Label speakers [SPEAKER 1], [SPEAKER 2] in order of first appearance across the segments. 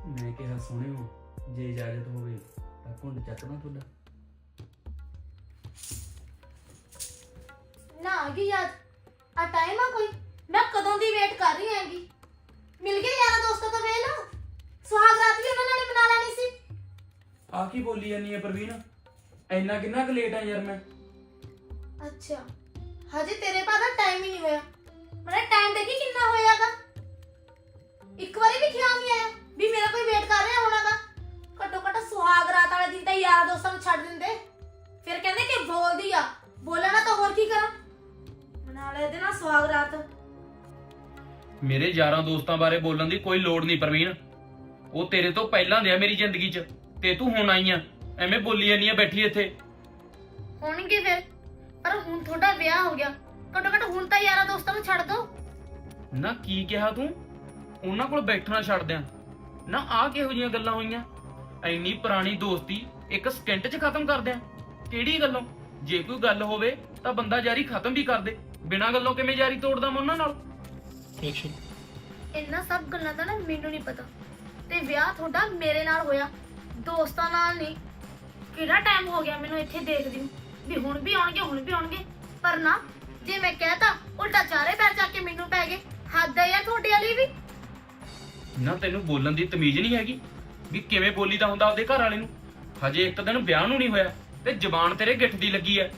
[SPEAKER 1] मैं कहा सुनियो जे इजाजत होवे तां घुंड चकना तुहाडा।
[SPEAKER 2] ना आ गई याद आ टाइम आ कोई मैं कदों दी वेट कर रही हैगी मिल गए यारा दोस्तों तो वेल सुहाग रात भी उन्होंने नाल मना लेनी सी।
[SPEAKER 1] आ की बोली जानी है प्रवीण, इन्ना किन्ना क लेट है यार मैं।
[SPEAKER 2] अच्छा हजे तेरे पास टाइम ही नहीं होया। मैंने टाइम देखी कितना होयागा एक बारी भी ख्याल नहीं आया भी मेरा कोई वेट कर रहा होनागा। घट्टो घट्ट सुहाग रात वाले दिन तो यारा दोस्तों ਨੂੰ ਛੱਡ ਦਿੰਦੇ फिर कहंदे कि बोलदी आ बोला ना तो और की करा मना ले दे ना सुहाग रात।
[SPEAKER 1] ਮੇਰੇ ਯਾਰਾਂ ਦੋਸਤਾਂ ਬਾਰੇ ਬੋਲਣ ਦੀ ਕੋਈ ਲੋੜ ਨਹੀਂ ਪ੍ਰਵੀਨ, ਉਹ ਤੇਰੇ ਤੋਂ ਪਹਿਲਾਂ ਦੇ ਆ ਮੇਰੀ ਜ਼ਿੰਦਗੀ 'ਚ ਤੇ ਤੂੰ ਹੁਣ ਆਈ ਆ ਐਵੇਂ ਬੋਲੀ ਜਾਨੀ ਆ ਬੈਠੀ ਇੱਥੇ।
[SPEAKER 2] ਹੋਣਗੇ ਫਿਰ ਪਰ ਹੁਣ ਤੁਹਾਡਾ ਵਿਆਹ ਹੋ ਗਿਆ ਘੱਟੋ ਘੱਟ ਹੁਣ ਤਾਂ ਯਾਰਾਂ ਦੋਸਤਾਂ ਨੂੰ ਛੱਡ ਦੋ।
[SPEAKER 1] ਨਾ ਕੀ ਕਿਹਾ ਤੂੰ, ਉਹਨਾਂ ਕੋਲ ਬੈਠਣਾ ਛੱਡ ਦਿਆਂ ਨਾ? ਆਹ ਕਿਹੋ ਜਿਹੀਆਂ ਗੱਲਾਂ ਹੋਈਆਂ? ਇੰਨੀ ਪੁਰਾਣੀ ਦੋਸਤੀ ਇੱਕ ਸਕਿੰਟ 'ਚ ਖਤਮ ਕਰ ਦਿਆਂ? ਕਿਹੜੀ ਗੱਲੋਂ? ਜੇ ਕੋਈ ਗੱਲ ਹੋਵੇ ਤਾਂ ਬੰਦਾ ਯਾਰੀ ਖਤਮ ਵੀ ਕਰ ਦੇ, ਬਿਨਾਂ ਗੱਲੋਂ ਕਿਵੇਂ ਯਾਰੀ ਤੋੜਦਾ ਮੈਂ ਉਹਨਾਂ ਨਾਲ?
[SPEAKER 2] ਇੰਨਾ ਸਭ ਗੱਲਾਂ ਦਾ ਨਾ ਮੈਨੂੰ ਨਹੀਂ ਪਤਾ ਤੇ ਵਿਆਹ ਤੁਹਾਡਾ ਮੇਰੇ ਨਾਲ ਹੋਇਆ ਦੋਸਤਾਂ ਨਾਲ ਨਹੀਂ। ਕਿਹੜਾ ਟਾਈਮ ਹੋ ਗਿਆ ਮੈਨੂੰ ਇੱਥੇ ਦੇਖਦੀ ਨੂੰ ਵੀ ਹੁਣ ਵੀ ਆਉਣਗੇ ਪਰ ਨਾ ਜੇ ਮੈਂ ਕਹਿਤਾ ਉਲਟਾ ਚਾਰੇ ਪੈਰ ਚੱਕ ਕੇ ਮੈਨੂੰ ਪੈ ਗਏ। ਹੱਦ ਹੈ ਯਾਰ ਤੁਹਾਡੇ ਵਾਲੀ ਵੀ।
[SPEAKER 1] ਨਾ ਤੈਨੂੰ ਬੋਲਣ ਦੀ ਤਮੀਜ਼ ਨਹੀਂ ਹੈਗੀ ਵੀ ਕਿਵੇਂ ਬੋਲੀਦਾ ਹੁੰਦਾ ਆਪਦੇ ਘਰ ਵਾਲੇ ਨੂੰ? ਹਜੇ ਇੱਕ ਦਿਨ ਵਿਆਹ ਨੂੰ ਨਹੀਂ ਹੋਇਆ ਤੇ ਜ਼ਬਾਨ ਤੇਰੇ ਗਿੱਠ ਦੀ ਲੱਗੀ ਐ।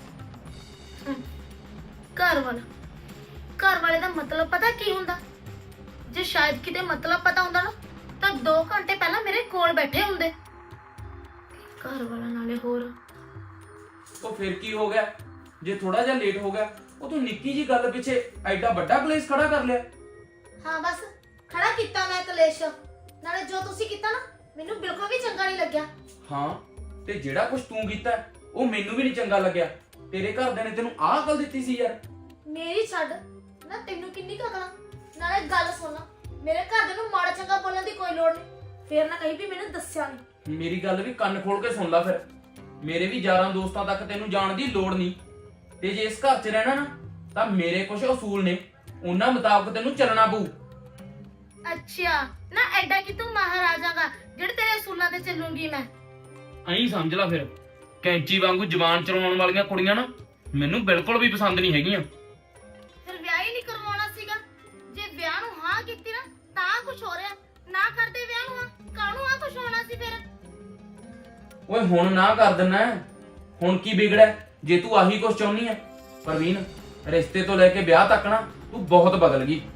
[SPEAKER 2] ਘਰ ਵਾਲੇ ਦਾ ਮਤਲਬ ਪਤਾ ਕੀ ਹੁੰਦਾ? ਜੇ ਸ਼ਾਇਦ ਕਿਤੇ ਮਤਲਬ ਪਤਾ ਹੁੰਦਾ ਨਾ ਤਾਂ 2 ਘੰਟੇ ਪਹਿਲਾਂ ਮੇਰੇ ਕੋਲ ਬੈਠੇ ਹੁੰਦੇ। ਘਰ ਵਾਲਾ ਨਾਲੇ ਹੋਰ
[SPEAKER 1] ਉਹ ਫਿਰ ਕੀ ਹੋ ਗਿਆ ਜੇ ਥੋੜਾ ਜਿਹਾ ਲੇਟ ਹੋ ਗਿਆ? ਉਹ ਤੂੰ ਨਿੱਕੀ ਜੀ ਗੱਲ ਪਿੱਛੇ ਐਡਾ ਵੱਡਾ ਕਲੇਸ਼ ਖੜਾ ਕਰ ਲਿਆ।
[SPEAKER 2] ਹਾਂ ਬਸ ਖੜਾ ਕੀਤਾ ਮੈਂ ਕਲੇਸ਼। ਨਾਲੇ ਜੋ ਤੁਸੀਂ ਕੀਤਾ ਨਾ ਮੈਨੂੰ ਬਿਲਕੁਲ ਵੀ ਚੰਗਾ ਨਹੀਂ ਲੱਗਿਆ।
[SPEAKER 1] ਹਾਂ ਤੇ ਜਿਹੜਾ ਕੁਝ ਤੂੰ ਕੀਤਾ ਉਹ ਮੈਨੂੰ ਵੀ ਨਹੀਂ ਚੰਗਾ ਲੱਗਿਆ। ਤੇਰੇ ਘਰਦਿਆਂ ਨੇ ਤੈਨੂੰ ਆਹ ਅਕਲ ਦਿੱਤੀ ਸੀ ਯਾਰ?
[SPEAKER 2] ਮੇਰੀ ਛੱਡ ਨਾ ਤੈਨੂੰ ਕਿੰਨੀ ਕੁ ਅਕਲ। ਨਾਲੇ ਗੱਲ ਸੁਣ ਮੇਰੇ ਘਰਦਿਆਂ ਨੂੰ ਮਾੜਾ ਚੰਗਾ ਬੋਲਣ ਦੀ ਕੋਈ ਲੋੜ ਨਹੀਂ। ਫੇਰ ਨਾ ਕਹੀਂ ਵੀ ਮੈਨੂੰ ਦੱਸਿਆ ਨਹੀਂ।
[SPEAKER 1] ਮੇਰੀ ਗੱਲ ਵੀ ਕੰਨ ਖੋਲ ਕੇ ਸੁਣ ਲੈ ਫਿਰ। ਮੇਰੇ ਵੀ ਯਾਰਾਂ ਦੋਸਤਾਂ ਤੱਕ ਤੈਨੂੰ ਜਾਣ ਦੀ ਲੋੜ ਨਹੀਂ ਤੇ ਜੇ ਇਸ ਘਰ 'ਚ ਰਹਿਣਾ ਨਾ ਤਾਂ ਮੇਰੇ ਕੁਝ ਅਸੂਲ ਨੇ, ਉਹਨਾਂ ਮੁਤਾਬਕ ਤੈਨੂੰ ਚੱਲਣਾ ਪਊ।
[SPEAKER 2] ਅੱਛਾ ਨਾ ਐਡਾ ਕਿ ਤੂੰ ਮਹਾਰਾਜਾਗਾ ਜਿਹੜੇ ਤੇਰੇ ਅਸੂਲਾਂ ਤੇ ਚੱਲੂਗੀ ਮੈਂ?
[SPEAKER 1] ਐਂ ਸਮਝ ਲੈ ਫਿਰ। ਕੈਂਚੀ ਵਾਂਗੂ ਜ਼ਬਾਨ ਚਲਾਉਣ ਵਾਲੀਆਂ ਕੁੜੀਆਂ ਨਾ ਮੈਨੂੰ ਬਿਲਕੁਲ ਵੀ ਪਸੰਦ ਨਹੀਂ ਹੈਗੀਆਂ।
[SPEAKER 2] ਫਿਰ ਵਿਆਹ ਹੀ ਨਹੀਂ ਕਰਵਾਉਣਾ ਸੀਗਾ। ਜੇ ਵਿਆਹ ਨੂੰ ਹਾਂ ਕੀਤੀ ਨਾ ਤਾਂ ਕੁਝ ਹੋ ਰਿਹਾ, ਨਾ ਕਰਦੇ ਵਿਆਹ ਨੂੰ ਕਾਹਨੂੰ ਆ ਕੁਝ ਹੋਣਾ ਸੀ ਫਿਰ?
[SPEAKER 1] ਓਏ ਹੁਣ ਨਾ ਕਰ ਦਿੰਨਾ, ਹੁਣ ਕੀ ਵਿਗੜਿਆ ਜੇ ਤੂੰ ਆਹੀ ਕੁਝ ਚਾਹੁੰਦੀ ਐ? ਪ੍ਰਵੀਨ ਰਿਸ਼ਤੇ ਤੋਂ ਲੈ ਕੇ ਵਿਆਹ ਤੱਕ ਨਾ ਤੂੰ ਬਹੁਤ ਬਦਲ ਗਈ।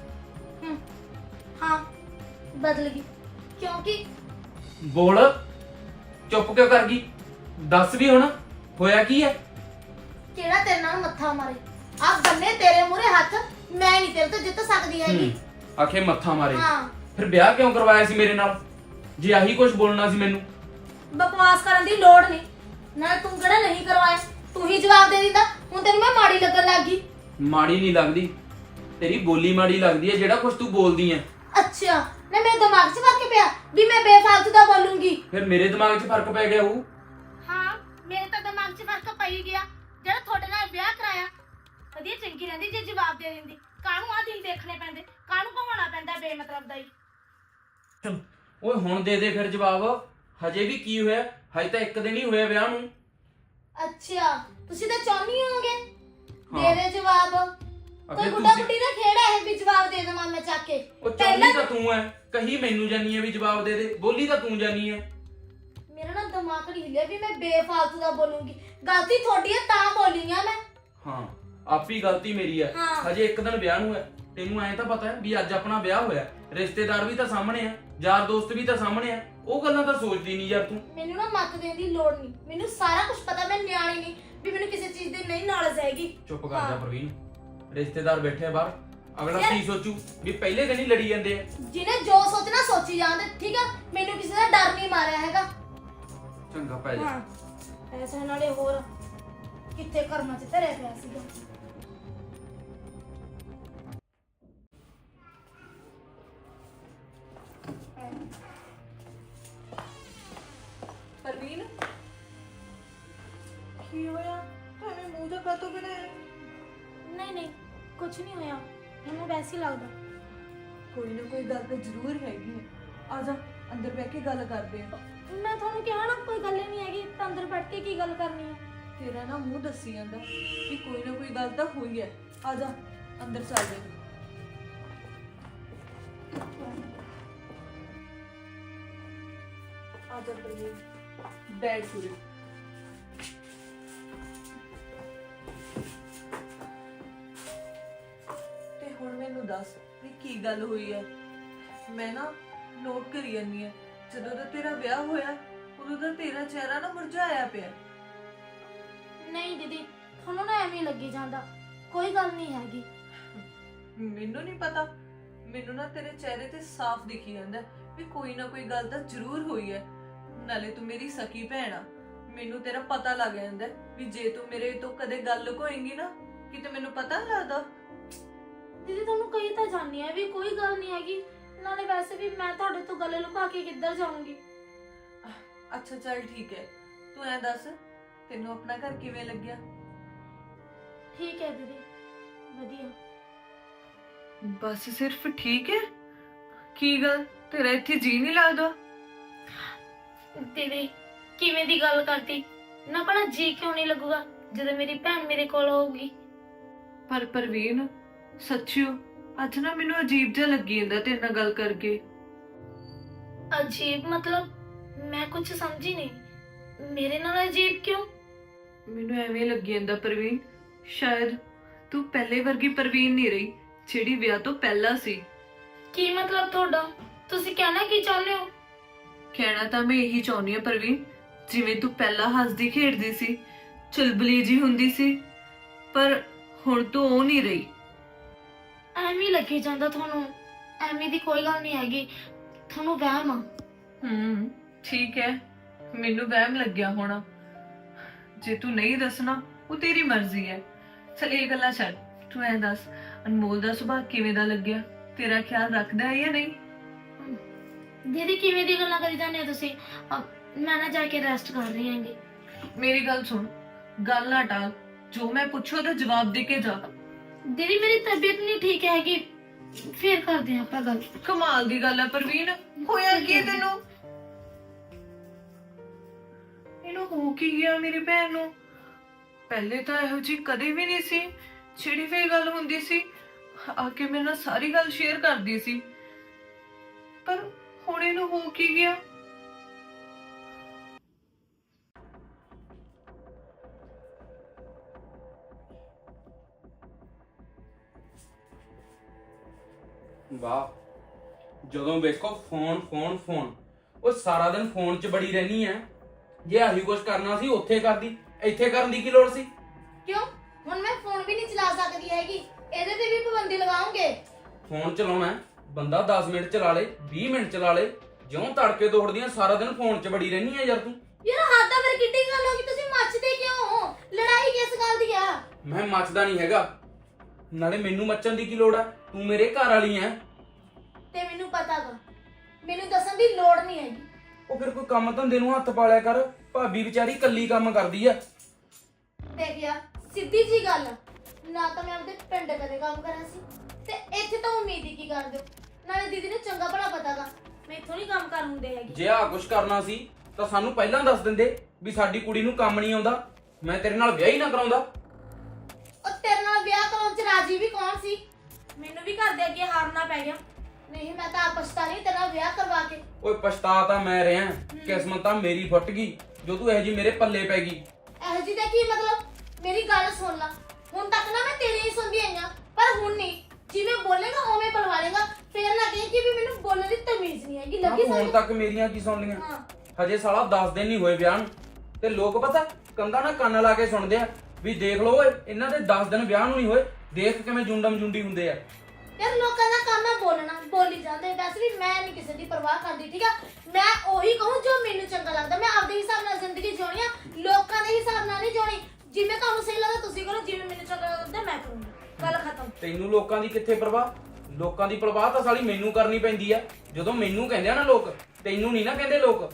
[SPEAKER 2] ਹਾਂ ਬਦਲ ਗਈ ਕਿਉਂਕਿ
[SPEAKER 1] ਬੋਲ, ਚੁੱਪ ਕਿਉਂ ਕਰ ਗਈ? ਦੱਸ ਵੀ ਹੁਣ ਹੋਇਆ ਕੀ ਐ?
[SPEAKER 2] ਕਿਹੜਾ ਤੇਰੇ ਨਾਲ ਮੱਥਾ ਮਾਰੇ? ਆ ਬੰਨੇ ਤੇਰੇ ਮੂਹਰੇ ਹੱਥ ਮੈਂ ਨਹੀਂ ਤੇਰੇ ਤੋਂ ਜਿੱਤ ਸਕਦੀ ਹੈਗੀ।
[SPEAKER 1] ਆਖੇ ਮੱਥਾ ਮਾਰੇ?
[SPEAKER 2] ਹਾਂ
[SPEAKER 1] ਫਿਰ ਵਿਆਹ ਕਿਉਂ ਕਰਵਾਇਆ ਸੀ ਮੇਰੇ ਨਾਲ ਜੇ ਆਹੀ ਕੁਝ ਬੋਲਣਾ ਸੀ ਮੈਨੂੰ?
[SPEAKER 2] ਬਕਵਾਸ ਕਰਨ ਦੀ ਲੋੜ ਨਹੀਂ। ਨਾ ਤੂੰ ਕਿਹੜਾ ਨਹੀਂ ਕਰਵਾਇਆ, ਤੂੰ ਹੀ ਜਵਾਬ ਦੇ ਦਿੰਦਾ। ਹੁਣ ਤੈਨੂੰ ਮੈਂ ਮਾੜੀ ਲੱਗਣ ਲੱਗ ਗਈ।
[SPEAKER 1] ਮਾੜੀ ਨਹੀਂ ਲੱਗਦੀ, ਤੇਰੀ ਬੋਲੀ ਮਾੜੀ ਲੱਗਦੀ ਐ ਜਿਹੜਾ ਕੁਝ ਤੂੰ ਬੋਲਦੀ ਐ।
[SPEAKER 2] ਅੱਛਾ ਨਾ ਮੇਰੇ ਦਿਮਾਗ 'ਚ ਫਰਕ ਪਿਆ ਵੀ ਮੈਂ ਬੇਫਾਲਤੂ ਦਾ ਬੋਲੂੰਗੀ?
[SPEAKER 1] ਫਿਰ ਮੇਰੇ ਦਿਮਾਗ 'ਚ ਫਰਕ ਪੈ ਗਿਆ ਉਹ।
[SPEAKER 2] ਹਾਂ ਮੇਰੇ ਤਾਂ ਦਿਮਾਗ 'ਚ ਫਰਕ ਪਈ ਗਿਆ ਜਿਹੜਾ ਤੁਹਾਡੇ ਨਾਲ ਵਿਆਹ ਕਰਾਇਆ। ਵਧੀਆ ਚੰਗੀ ਰਹਿੰਦੀ ਜੇ ਜਵਾਬ ਦੇ ਦਿੰਦੀ। ਕਾਹਨੂੰ ਆ ਦਿਨ ਦੇਖਣੇ ਪੈਂਦੇ, ਕਾਹਨੂੰ ਕਹਾਉਣਾ ਪੈਂਦਾ ਬੇਮਤਲਬ ਦਾ ਹੀ।
[SPEAKER 1] ਚਲ ਓਏ ਹੁਣ ਦੇ ਦੇ ਫਿਰ ਜਵਾਬ। ਹਜੇ ਵੀ ਕੀ ਹੋਇਆ? ਹਜੇ ਤਾਂ ਇੱਕ ਦਿਨ ਹੀ ਹੋਇਆ ਵਿਆਹ ਨੂੰ।
[SPEAKER 2] ਅੱਛਾ ਤੁਸੀਂ ਤਾਂ ਚਾਹੁੰਦੀ ਹੋਗੇ ਦੇ ਦੇ ਜਵਾਬ। ਕੋਈ ਗੁੱਡਾ
[SPEAKER 1] ਤੁਸੀਂ
[SPEAKER 2] ਗੁੱਡੀ ਦਾ ਖੇੜਾ ਹੈ ਵੀ ਜਵਾਬ ਦੇ ਦੇਵਾਂ ਮੈਂ ਚੱਕ ਕੇ?
[SPEAKER 1] ਉਹ ਚਾਹੁੰਦੀ ਤਾਂ ਤੂੰ ਐ, ਕਹੀ ਮੈਨੂੰ ਜਾਨੀ ਐ ਵੀ ਜਵਾਬ ਦੇ ਦੇ, ਬੋਲੀ ਤਾਂ ਤੂੰ ਜਾਨੀ ਐ।
[SPEAKER 2] ਮੇਰਾ ਨਾ ਦਿਮਾਗ ਨਹੀਂ ਹਿੱਲਿਆ ਵੀ ਮੈਂ ਬੇਫਾਲਤੂ ਦਾ ਬੋਲੂੰਗੀ। ਗਲਤੀ ਤੁਹਾਡੀ ਹੈ ਤਾਂ ਬੋਲੀ ਆ ਮੈਂ।
[SPEAKER 1] ਹਾਂ ਆਪੀ ਗਲਤੀ ਮੇਰੀ ਐ।
[SPEAKER 2] ਹਾਂ।
[SPEAKER 1] ਹਜੇ ਇੱਕ ਦਿਨ ਵਿਆਹ ਨੂੰ ਐ, ਤੈਨੂੰ ਐਂ ਤਾਂ ਪਤਾ ਹੈ ਵੀ ਅੱਜ ਆਪਣਾ ਵਿਆਹ ਹੋਇਆ, ਰਿਸ਼ਤੇਦਾਰ ਵੀ ਤਾਂ ਸਾਹਮਣੇ ਆ, ਯਾਰ ਦੋਸਤ ਵੀ ਤਾਂ ਸਾਹਮਣੇ ਆ। ਉਹ ਗੱਲਾਂ ਤਾਂ ਸੋਚਦੀ ਨਹੀਂ ਯਾਰ ਤੂੰ।
[SPEAKER 2] ਮੈਨੂੰ ਨਾ ਮੱਤ ਦੇਣ ਦੀ ਲੋੜ ਨਹੀਂ, ਮੈਨੂੰ ਸਾਰਾ ਕੁਝ ਪਤਾ। ਮੈਂ ਨਿਆਣੀ ਨਹੀਂ ਵੀ ਮੈਨੂੰ ਕਿਸੇ ਚੀਜ਼ ਦੀ ਨਹੀਂ ਨੌਲੇਜ ਹੈਗੀ।
[SPEAKER 1] ਚੁੱਪ ਕਰ ਜਾ ਪ੍ਰਵੀਨ, ਰਿਸ਼ਤੇਦਾਰ ਬੈਠੇ ਆ ਬਾਹਰ, ਅਗਲਾ ਕੀ ਸੋਚੂ ਵੀ ਪਹਿਲੇ ਦਿਨ ਹੀ ਲੜੀ ਜਾਂਦੇ ਆ।
[SPEAKER 2] ਜਿਹਨੇ ਜੋ ਸੋਚਣਾ ਸੋਚੀ ਜਾਂਦੇ, ਠੀਕ ਆ? ਮੈਨੂੰ ਕਿਸੇ ਦਾ ਡਰ ਨਹੀਂ ਮਾਰਿਆ ਹੈਗਾ।
[SPEAKER 1] ਚੰਗਾ ਪੈ ਜਾ।
[SPEAKER 2] ਐਸੇ ਨਾਲੇ ਹੋਰ ਕਿੱਥੇ ਕਰਮਾਂ 'ਚ ਧਰਿਆ ਪਿਆ ਸੀਗਾ।
[SPEAKER 3] परवीन की होया? हमें मुंह जा कातों बनाया?
[SPEAKER 2] नहीं नहीं कुछ नहीं होया, ਮੈਨੂੰ ਵੈਸੇ ਹੀ ਲੱਗਦਾ।
[SPEAKER 3] कोई ना कोई गल तो जरूर हैगी है। आजा ਅੰਦਰ ਬਹਿ ਕੇ ਗੱਲ ਕਰਦੇ ਆ।
[SPEAKER 2] ਮੈਂ ਤੁਹਾਨੂੰ ਕਿਹਾ ਨਾ ਕੋਈ ਗੱਲ ਹੀ ਨਹੀਂ ਹੈਗੀ, ਤਾਂ ਅੰਦਰ ਬੈਠ ਕੇ ਕੀ ਗੱਲ ਕਰਨੀ ਹੈ।
[SPEAKER 3] ਤੇਰਾ ਨਾ ਮੂੰਹ ਦੱਸੀ ਜਾਂਦਾ ਕਿ ਕੋਈ ਨਾ ਕੋਈ ਗੱਲ ਤਾਂ ਹੋਈ ਹੈ। ਆ ਜਾ ਅੰਦਰ ਚੱਲਦੇ ਹਾਂ। ਆ ਜਾ ਪ੍ਰਵੀਨ, ਬੈਠ ਸੁਰੇ। ਤੇ ਹੁਣ ਮੈਨੂੰ ਦੱਸ ਵੀ ਕੀ ਗੱਲ ਹੋਈ ਹੈ। ਮੈਂ ਨਾ ਨੋਟ ਕਰੀ ਜਾਂਦੀ ਹਾਂ, ਜਦੋਂ ਦਾ ਤੇਰਾ ਵਿਆਹ ਹੋਇਆ ਉਦੋਂ ਦਾ ਤੇਰਾ ਚਿਹਰਾ ਨਾ ਮੁਰਝਾਇਆ ਪਿਆ।
[SPEAKER 2] ਨਹੀਂ ਦੀਦੀ, ਤੁਹਾਨੂੰ ਨਾ ਐਵੇਂ ਹੀ ਲੱਗੀ ਜਾਂਦਾ, ਕੋਈ ਗੱਲ ਨਹੀਂ ਹੈਗੀ।
[SPEAKER 3] ਮੈਨੂੰ ਨਹੀਂ ਪਤਾ, ਮੈਨੂੰ ਨਾ ਤੇਰੇ ਚਿਹਰੇ ਤੇ ਸਾਫ਼ ਦਿਖੀ ਜਾਂਦਾ ਵੀ ਕੋਈ ਨਾ ਕੋਈ ਗੱਲ ਤਾਂ ਜ਼ਰੂਰ ਹੋਈ ਹੈ। ਨਾਲੇ ਤੂੰ ਮੇਰੀ ਸਕੀ ਭੈਣ ਆ, ਮੈਨੂੰ ਤੇਰਾ ਪਤਾ ਲੱਗ ਜਾਂਦਾ ਵੀ ਜੇ ਤੂੰ ਮੇਰੇ ਤੋਂ ਕਦੇ ਗੱਲ ਲੁਕੋਏਂਗੀ ਨਾ ਕਿਤੇ ਮੈਨੂੰ ਪਤਾ ਨਹੀਂ ਲੱਗਦਾ।
[SPEAKER 2] ਦੀਦੀ ਤੁਹਾਨੂੰ ਕਹੀ ਤਾਂ ਜਾਣੀ ਹੈ ਵੀ ਕੋਈ ਗੱਲ ਨਹੀਂ ਹੈਗੀ, ਨਾਲੇ ਵੈਸੇ ਵੀ ਮੈਂ ਤੁਹਾਡੇ ਤੋਂ ਗੱਲ ਲੁਕਾ ਕੇ ਕਿੱਧਰ ਜਾਊਂਗੀ।
[SPEAKER 3] ਅੱਛਾ ਚੱਲ ਠੀਕ ਹੈ, ਤੂੰ ਐ ਦੱਸ ਤੈਨੂੰ ਆਪਣਾ ਘਰ ਕਿਵੇਂ ਲੱਗਿਆ?
[SPEAKER 2] ਠੀਕ ਹੈ ਦੀਦੀ, ਵਧੀਆ।
[SPEAKER 3] ਬਸ ਸਿਰਫ ਠੀਕ ਹੈ? ਕੀ ਗੱਲ ਤੇਰਾ ਇੱਥੇ ਜੀ ਨਹੀਂ ਲੱਗਦਾ?
[SPEAKER 2] ਦੀਦੀ ਕਿਵੇਂ ਦੀ ਗੱਲ ਕਰਤੀ ਨਾ, ਭਲਾ ਜੀ ਕਿਉਂ ਨਹੀਂ ਲੱਗੂਗਾ ਜਦੋਂ ਮੇਰੀ ਭੈਣ ਮੇਰੇ ਕੋਲ ਹੋਊਗੀ।
[SPEAKER 3] ਪਰ ਪ੍ਰਵੀਨ ਸੱਚਿਓ ਅੱਜ ਨਾ ਮੈਨੂੰ ਅਜੀਬ ਜਿਹਾ ਲੱਗੀ ਜਾਂਦਾ ਤੇਰੇ ਨਾਲ ਗੱਲ ਕਰਕੇ।
[SPEAKER 2] ਅਜੀਬ ਮਤਲਬ? ਮੈਂ ਕੁਝ ਸਮਝੀ ਨਹੀਂ, ਮੇਰੇ ਨਾਲ ਅਜੀਬ ਕਿਉਂ?
[SPEAKER 3] ਮੈਨੂੰ ਐਵੇਂ ਲੱਗੀ ਜਾਂਦਾ ਪ੍ਰਵੀਨ ਸ਼ਾਇਦ ਤੂੰ ਪਹਿਲੇ ਵਰਗੀ ਪ੍ਰਵੀਨ ਨਹੀਂ ਰਹੀ ਜਿਹੜੀ ਵਿਆਹ ਤੋਂ ਪਹਿਲਾਂ ਸੀ।
[SPEAKER 2] ਕੀ ਮਤਲਬ ਤੁਹਾਡਾ? ਤੁਸੀਂ ਕਹਿਣਾ ਕੀ ਚਾਹੁੰਦੇ ਹੋ?
[SPEAKER 3] ਕਹਿਣਾ ਤਾਂ ਮੈਂ ਇਹੀ ਚਾਹੁੰਦੀ ਹਾਂ ਪ੍ਰਵੀਨ, ਜਿਵੇਂ ਤੂੰ ਪਹਿਲਾਂ ਹੱਸਦੀ ਖੇਡਦੀ ਸੀ, ਚੁਲਬਲੀ ਜੀ ਹੁੰਦੀ ਸੀ, ਪਰ ਹੁਣ ਤੂੰ ਉਹ ਨਹੀਂ ਰਹੀ।
[SPEAKER 2] ਐਵੇਂ ਲੱਗੀ ਜਾਂਦਾ ਤੁਹਾਨੂੰ, ਐਵੇਂ ਦੀ ਕੋਈ ਗੱਲ ਨਹੀਂ ਹੈਗੀ, ਤੁਹਾਨੂੰ ਵਹਿਮ ਆ।
[SPEAKER 3] ਠੀਕ ਹੈ, ਮੈਨੂੰ ਵਹਿਮ ਲੱਗਿਆ ਹੋਣਾ। ਜੇ ਤੂੰ ਨਹੀਂ ਦੱਸਣਾ ਉਹ ਤੇਰੀ ਮਰਜ਼ੀ ਹੈ। ਚਲ ਇਹ ਗੱਲਾਂ ਛੱਡ, ਤੂੰ ਐ ਦੱਸ ਅਨਮੋਲ ਦਾ ਸੁਭਾਅ ਕਿਵੇਂ ਦਾ ਲੱਗਿਆ? ਤੇਰਾ ਖਿਆਲ ਰੱਖਦਾ ਹੈ ਜਾਂ ਨਹੀਂ?
[SPEAKER 2] ਦੀਦੀ ਕਿਵੇਂ ਦੀ ਗੱਲਾਂ ਕਰੀ ਜਾਂਦੇ ਹੋ ਤੁਸੀਂ? ਮੈਂ ਨਾ ਜਾ ਕੇ ਰੈਸਟ ਕਰ ਰਹੀ ਹਾਂਗੀ।
[SPEAKER 3] ਮੇਰੀ ਗੱਲ ਸੁਣ, ਗੱਲ ਨਾ ਟਾਲ, ਜੋ ਮੈਂ ਪੁੱਛੋ ਉਹਦਾ ਜਵਾਬ ਦੇ ਕੇ ਜਾ।
[SPEAKER 2] ਦੀਦੀ ਮੇਰੀ ਤਬੀਅਤ ਨਹੀਂ ਠੀਕ ਹੈਗੀ, ਫੇਰ ਕਰਦੇ ਆਪਾਂ ਗੱਲ।
[SPEAKER 3] ਕਮਾਲ ਦੀ ਗੱਲ ਹੈ ਪ੍ਰਵੀਨ, ਹੋਇਆ ਕੀ ਤੈਨੂੰ? ਇਹਨੂੰ ਹੋ ਕੀ ਗਿਆ ਮੇਰੀ ਭੈਣ ਨੂੰ? ਪਹਿਲੇ ਤਾਂ ਇਹੋ ਜੀ ਕਦੇ ਵੀ ਨਹੀਂ ਸੀ, ਛਿੜੀ ਫੇ ਗੱਲ ਹੁੰਦੀ ਸੀ, ਆ ਕੇ ਮੇਰੇ ਨਾਲ ਸਾਰੀ ਗੱਲ ਸ਼ੇਅਰ ਕਰਦੀ ਸੀ, ਪਰ ਹੁਣ ਇਹਨੂੰ ਹੋ ਕੀ ਗਿਆ?
[SPEAKER 1] ਵਾਹ, ਜਦੋਂ ਵੇਖੋ ਫੋਨ ਫੋਨ ਫੋਨ, ਉਹ ਸਾਰਾ ਦਿਨ ਫੋਨ 'ਚ ਬੜੀ ਰਹਿਣੀ ਐ। ਜੇ ਆਹੀ ਕੁਝ ਕਰਨਾ ਸੀ ਉੱਥੇ ਕਰਦੀ, ਇੱਥੇ ਕਰਨ ਦੀ ਕੀ ਲੋੜ ਸੀ?
[SPEAKER 2] ਕਿਉਂ? ਹੁਣ ਮੈਂ ਫੋਨ ਵੀ ਨਹੀਂ ਚਲਾ ਸਕਦੀ ਹੈਗੀ, ਇਹਦੇ ਤੇ ਵੀ ਪਾਬੰਦੀ ਲਗਾਉਂਗੇ।
[SPEAKER 1] ਫੋਨ ਚਲਾਉਣਾ ਬੰਦਾ 10 ਮਿੰਟ ਚਲਾ ਲੇ, 20 ਮਿੰਟ ਚਲਾ ਲੇ, ਜਿਉਂ ਤੜਕੇ ਤੋੜਦੀਆਂ ਸਾਰਾ ਦਿਨ ਫੋਨ 'ਚ ਬੜੀ ਰਹਿਣੀ ਐ ਯਾਰ ਤੂੰ।
[SPEAKER 2] ਯਾਰ ਹੱਦ ਆ, ਫਿਰ ਕਿੱਡੀ ਗੱਲ ਹੋ ਗਈ? ਤੁਸੀਂ ਮੱਚਦੇ ਕਿਉਂ ਹੋ? ਲੜਾਈ ਕਿਸ ਗੱਲ ਦੀ ਆ?
[SPEAKER 1] ਮੈਂ ਮੱਚਦਾ ਨਹੀਂ ਹੈਗਾ, ਨਾਲੇ ਮੈਨੂੰ ਮੱਚਣ ਦੀ ਕੀ ਲੋੜ ਐ? ਤੂੰ ਮੇਰੇ ਘਰ ਵਾਲੀ ਐ।
[SPEAKER 2] ਤੇ ਮੈਨੂੰ ਪਤਾ ਗਾ, ਮੈਨੂੰ ਦੱਸਣ ਦੀ ਲੋੜ ਨਹੀਂ ਹੈਗੀ।
[SPEAKER 1] ਉਹ ਫਿਰ ਕੋਈ ਕੰਮ ਧੰਦੇ ਨੂੰ ਹੱਥ ਪਾ ਲਿਆ ਕਰ, ਭਾਬੀ ਵਿਚਾਰੀ ਕੱਲੀ ਕੰਮ ਕਰਦੀ ਆ।
[SPEAKER 2] ਦੇਖਿਆ, ਸਿੱਧੀ ਜੀ ਗੱਲ ਆ। ਨਾ ਤਾਂ ਮੈਂ ਆਪਦੇ ਪਿੰਡ ਕਦੇ ਕੰਮ ਕਰਿਆ ਸੀ, ਤੇ ਇੱਥੇ ਤਾਂ ਉਮੀਦ ਹੀ ਕੀ ਕਰਦੇ ਹੋ? ਨਾਲੇ ਦੀਦੀ ਨੂੰ ਚੰਗਾ ਭਲਾ ਪਤਾ ਗਾ ਮੈਂ ਇੱਥੋਂ ਨਹੀਂ ਕੰਮ ਕਰ ਹੁੰਦੇ ਹੈਗੇ।
[SPEAKER 1] ਜੇ ਆ ਕੁਝ ਕਰਨਾ ਸੀ ਤਾਂ ਸਾਨੂੰ ਪਹਿਲਾਂ ਦੱਸ ਦਿੰਦੇ ਵੀ ਸਾਡੀ ਕੁੜੀ ਨੂੰ ਕੰਮ ਨਹੀਂ ਆਉਂਦਾ, ਮੈਂ ਤੇਰੇ ਨਾਲ ਵਿਆਹ ਹੀ ਨਾ ਕਰਾਉਂਦਾ।
[SPEAKER 2] ਉਹ ਤੇਰੇ ਨਾਲ ਵਿਆਹ ਕਰਾਉਣ ਚ ਰਾਜੀ ਵੀ ਕੌਣ ਸੀ? ਮੈਨੂੰ ਵੀ ਘਰ ਦੇ ਅੱਗੇ ਹਾਰਨਾ ਪੈ ਗਿਆ। ਨਹੀਂ ਮੈਂ ਤਾਂ ਪਛਤਾ ਨਹੀਂ ਤੇਰਾ ਵਿਆਹ ਕਰਵਾ ਕੇ।
[SPEAKER 1] ਓਏ ਪਛਤਾ ਤਾਂ ਮੈਂ ਰਿਹਾ, ਕਿਸਮਤ ਤਾਂ ਮੇਰੀ ਫੁੱਟ ਗਈ ਜੋ ਤੂੰ ਇਹੋ ਜੀ ਮੇਰੇ ਪੱਲੇ ਪੈ ਗਈ।
[SPEAKER 2] ਇਹੋ ਜੀ ਦਾ ਕੀ ਮਤਲਬ? ਮੇਰੀ ਗੱਲ ਸੁਣ ਲੈ, ਹੁਣ ਤੱਕ ਨਾ ਮੈਂ ਤੇਰੀ ਹੀ ਸੁਣਦੀ ਆਈਆਂ, ਪਰ ਹੁਣ ਨਹੀਂ। ਜਿਵੇਂ ਬੋਲੇਗਾ ਉਵੇਂ ਬੁਲਵਾ ਲੇਗਾ, ਫੇਰ ਨਾ ਕਹੀਂ ਕਿ ਵੀ ਮੈਨੂੰ ਬੋਲਣ ਦੀ ਤਮੀਜ਼ ਨਹੀਂ ਹੈਗੀ। ਲੱਗੀ
[SPEAKER 1] ਹੁਣ
[SPEAKER 2] ਸਮਝ?
[SPEAKER 1] ਤੱਕ ਮੇਰੀਆਂ ਕੀ ਸੁਣ ਲੀਆਂ?
[SPEAKER 2] ਹਾਂ,
[SPEAKER 1] ਹਜੇ ਸਾਲਾ 10 ਦਿਨ ਨਹੀਂ ਹੋਏ ਵਿਆਹ ਨੂੰ, ਤੇ ਲੋਕ ਪਤਾ ਕੰਧਾਂ ਨਾਲ ਕੰਨ ਲਾ ਕੇ ਸੁਣਦੇ ਆ ਵੀ ਦੇਖ ਲਓ ਓਏ ਇਹਨਾਂ ਦੇ 10 ਦਿਨ ਵਿਆਹ ਨੂੰ ਨਹੀਂ ਹੋਏ, ਦੇਖ ਕਿਵੇਂ ਜੁੰਡਮ ਜੁੰਡੀ ਹੁੰਦੇ ਆ।
[SPEAKER 2] ਯਾਰ ਲੋਕਾਂ ਦਾ ਕੰਮ ਹੈ ਬੋਲਣਾ, ਬੋਲੀ ਜਾਂਦੇ। ਵੈਸੇ ਵੀ ਮੈਂ ਨਹੀਂ ਕਿਸੇ ਦੀ ਪਰਵਾਹ ਕਰਦੀ, ਠੀਕ ਆ? ਮੈਂ ਉਹੀ ਕਹੂੰ ਜੋ ਮੈਨੂੰ ਚੰਗਾ ਲੱਗਦਾ। ਮੈਂ ਆਪਦੇ ਹਿਸਾਬ ਨਾਲ ਜ਼ਿੰਦਗੀ ਜਿਉਣੀ ਆ, ਲੋਕਾਂ ਦੇ ਹਿਸਾਬ ਨਾਲ ਨਹੀਂ ਜਿਉਣੀ। ਜਿਵੇਂ ਤੁਹਾਨੂੰ ਸਹੀ ਲੱਗਦਾ ਤੁਸੀਂ ਕਰੋ, ਜਿਵੇਂ ਮੈਨੂੰ ਚੰਗਾ ਲੱਗਦਾ ਮੈਂ ਕਰੂੰਗੀ। ਗੱਲ ਖਤਮ।
[SPEAKER 1] ਤੈਨੂੰ ਲੋਕਾਂ ਦੀ ਕਿੱਥੇ ਪਰਵਾਹ? ਲੋਕਾਂ ਦੀ ਪਰਵਾਹ ਤਾਂ ਸਾਲੀ ਮੈਨੂੰ ਕਰਨੀ ਪੈਂਦੀ ਆ। ਜਦੋਂ ਮੈਨੂੰ ਕਹਿੰਦੇ ਆ ਨਾ ਲੋਕ, ਤੈਨੂੰ ਨਹੀਂ ਨਾ ਕਹਿੰਦੇ ਲੋਕ।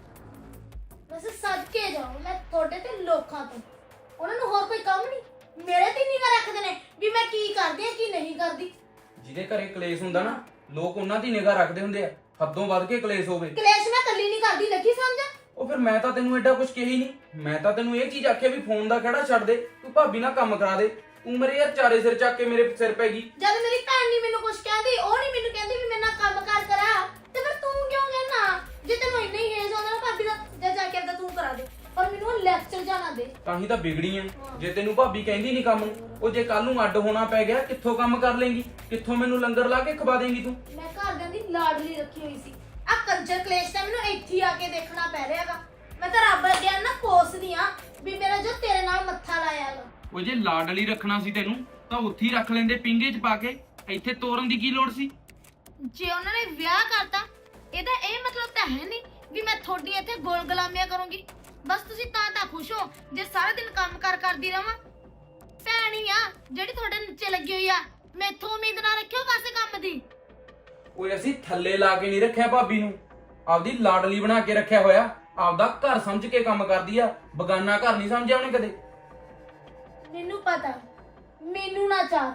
[SPEAKER 2] ਵੈਸੇ ਸਦਕੇ ਜਾਓ ਮੈਂ ਤੁਹਾਡੇ ਤੇ ਲੋਕਾਂ ਤੋਂ, ਉਹਨਾਂ ਨੂੰ ਹੋਰ ਕੋਈ ਕੰਮ ਨਹੀਂ, ਮੇਰੇ ਤੇ ਨਿਗਾਹ ਰੱਖਦੇ ਨੇ ਵੀ ਮੈਂ ਕੀ ਕਰਦੀ ਆ ਕੀ ਨਹੀਂ ਕਰਦੀ।
[SPEAKER 1] ਜਿਹਦੇ ਘਰੇ ਕਲੇਸ਼ ਹੁੰਦਾ ਨਾ, ਲੋਕ ਉਹਨਾਂ ਦੀ ਨਿਗਾਹ ਰੱਖਦੇ ਹੁੰਦੇ ਆ। ਹੱਦੋਂ ਵੱਧ ਕੇ ਕਲੇਸ਼ ਹੋਵੇ।
[SPEAKER 2] ਕਲੇਸ਼ ਮੈਂ ਕੱਲੀ ਨਹੀਂ ਕਰਦੀ, ਲੱਗੀ ਸਮਝ।
[SPEAKER 1] ਉਹ ਫਿਰ ਮੈਂ ਤਾਂ ਤੈਨੂੰ ਐਡਾ ਕੁਝ ਕਿਹਾ ਹੀ ਨਹੀਂ। ਮੈਂ ਤਾਂ ਤੈਨੂੰ ਇਹ ਚੀਜ਼ ਆਖਿਆ ਵੀ ਫੋਨ ਦਾ ਖੜਾ ਛੱਡ ਦੇ, ਤੂੰ ਭਾਬੀ ਨਾਲ ਕੰਮ ਕਰਾ ਦੇ। ਤੂੰ ਮੇਰੇ ਯਾਰ ਚਾਰੇ ਸਿਰ ਚੱਕ ਕੇ ਮੇਰੇ ਸਿਰ ਪੈ ਗਈ।
[SPEAKER 2] ਜਦ ਮੇਰੀ ਭੈਣ ਨਹੀਂ ਮੈਨੂੰ ਕੁਝ ਕਹਿੰਦੀ, ਉਹ ਨਹੀਂ ਮੈਨੂੰ ਕਹਿੰਦੀ ਵੀ ਮੇਰੇ ਨਾਲ ਕੰਮ ਕਾਰ ਕਰਾ, ਤੇ ਫਿਰ ਤੂੰ ਕਿਉਂ ਕਹਿਣਾ? ਜੇ ਤੈਨੂੰ ਇੰਨਾ ਹੀ ਹੇਜ ਆਉਂਦਾ ਨਾ ਭਾਬੀ ਦਾ, ਜਾ ਕੇ ਆਪਦਾ ਤੂੰ ਕਰਾ ਦੇ, ਪਰ ਮੈਨੂੰ ਲੈਕਚਰ ਜਾਣਾ ਦੇ।
[SPEAKER 1] ਤਾਂ ਹੀ ਤਾਂ ਵਿਗੜੀ ਐ। ਜੇ ਤੈਨੂੰ ਭਾਬੀ ਕਹਿੰਦੀ ਨਹੀਂ ਕੰਮ ਨੂੰ, ਉਹ ਜੇ ਕੱਲ ਨੂੰ ਅੱਡ ਹੋਣਾ ਪੈ ਗਿਆ ਕਿੱਥੋਂ ਕੰਮ ਕਰ ਲੇਂਗੀ? ਕਿੱਥੋਂ ਮੈਨੂੰ ਲੰਗਰ ਲਾ ਕੇ ਖਵਾ ਦੇਂਗੀ ਤੂੰ?
[SPEAKER 2] ਮੈਂ ਘਰਦਿਆਂ ਦੀ ਲਾਡਲੀ ਰੱਖੀ ਹੋਈ ਸੀ, ਆ ਕੰਜਰ ਕਲੇਸ਼ ਤਾਂ ਮੈਨੂੰ ਇੱਥੇ ਹੀ ਆ ਕੇ ਦੇਖਣਾ ਪੈ ਰਿਹਾਗਾ। ਮੈਂ ਤਾਂ ਰੱਬ ਅੱਗੇ ਨਾ ਕੋਸਦੀ ਆ ਵੀ ਮੇਰਾ ਜੋ ਤੇਰੇ ਨਾਲ ਮੱਥਾ ਲਾਇਆਗਾ।
[SPEAKER 1] ਉਹ ਜੇ ਲਾਡਲੀ ਰੱਖਣਾ ਸੀ ਤੈਨੂੰ ਤਾਂ ਉੱਥੇ ਹੀ ਰੱਖ ਲੈਂਦੇ ਪਿੰਗੇ 'ਚ ਪਾ ਕੇ। ਇੱਥੇ ਤੋਰਨ ਦੀ ਕੀ ਲੋੜ ਸੀ?
[SPEAKER 2] ਜੇ ਉਹਨਾਂ ਨੇ ਵਿਆਹ ਕਰਤਾ, ਇਹਦਾ ਇਹ ਮਤਲਬ ਤਾਂ ਹੈ ਨਹੀਂ ਵੀ ਮੈਂ ਤੁਹਾਡੀ ਇੱਥੇ ਗੋਲ ਗੁਲਾਮੀਆਂ ਕਰੂੰਗੀ। ਬਸ ਤੁਸੀਂ ਤਾਂ ਖੁਸ਼ ਹੋ ਜੇ ਸਾਰਾ ਦਿਨ ਕੰਮ ਕਰਦੀ ਰਵਾਂ। ਭੈਣ ਹੀ ਆ ਜਿਹੜੀ ਤੁਹਾਡੇ ਨੀਚੇ ਲੱਗੀ ਹੋਈ ਆ, ਮੈਥੋਂ ਉਮੀਦ ਨਾ ਰੱਖਿਓ ਕਾਸੇ ਕੰਮ ਦੀ।
[SPEAKER 1] ਓਏ ਅਸੀਂ ਥੱਲੇ ਲਾ ਕੇ ਨਹੀਂ ਰੱਖਿਆ ਭਾਬੀ ਨੂੰ, ਆਪਦੀ ਲਾਡਲੀ ਬਣਾ ਕੇ ਰੱਖਿਆ ਹੋਇਆ। ਆਪਦਾ ਘਰ ਸਮਝ ਕੇ ਕੰਮ ਕਰਦੀ ਆ, ਬਗਾਨਾ ਘਰ ਨਹੀਂ ਸਮਝਿਆ ਉਹਨੇ ਕਦੇ।
[SPEAKER 2] ਮੈਨੂੰ ਪਤਾ, ਮੈਨੂੰ ਨਾ ਚਾਰ।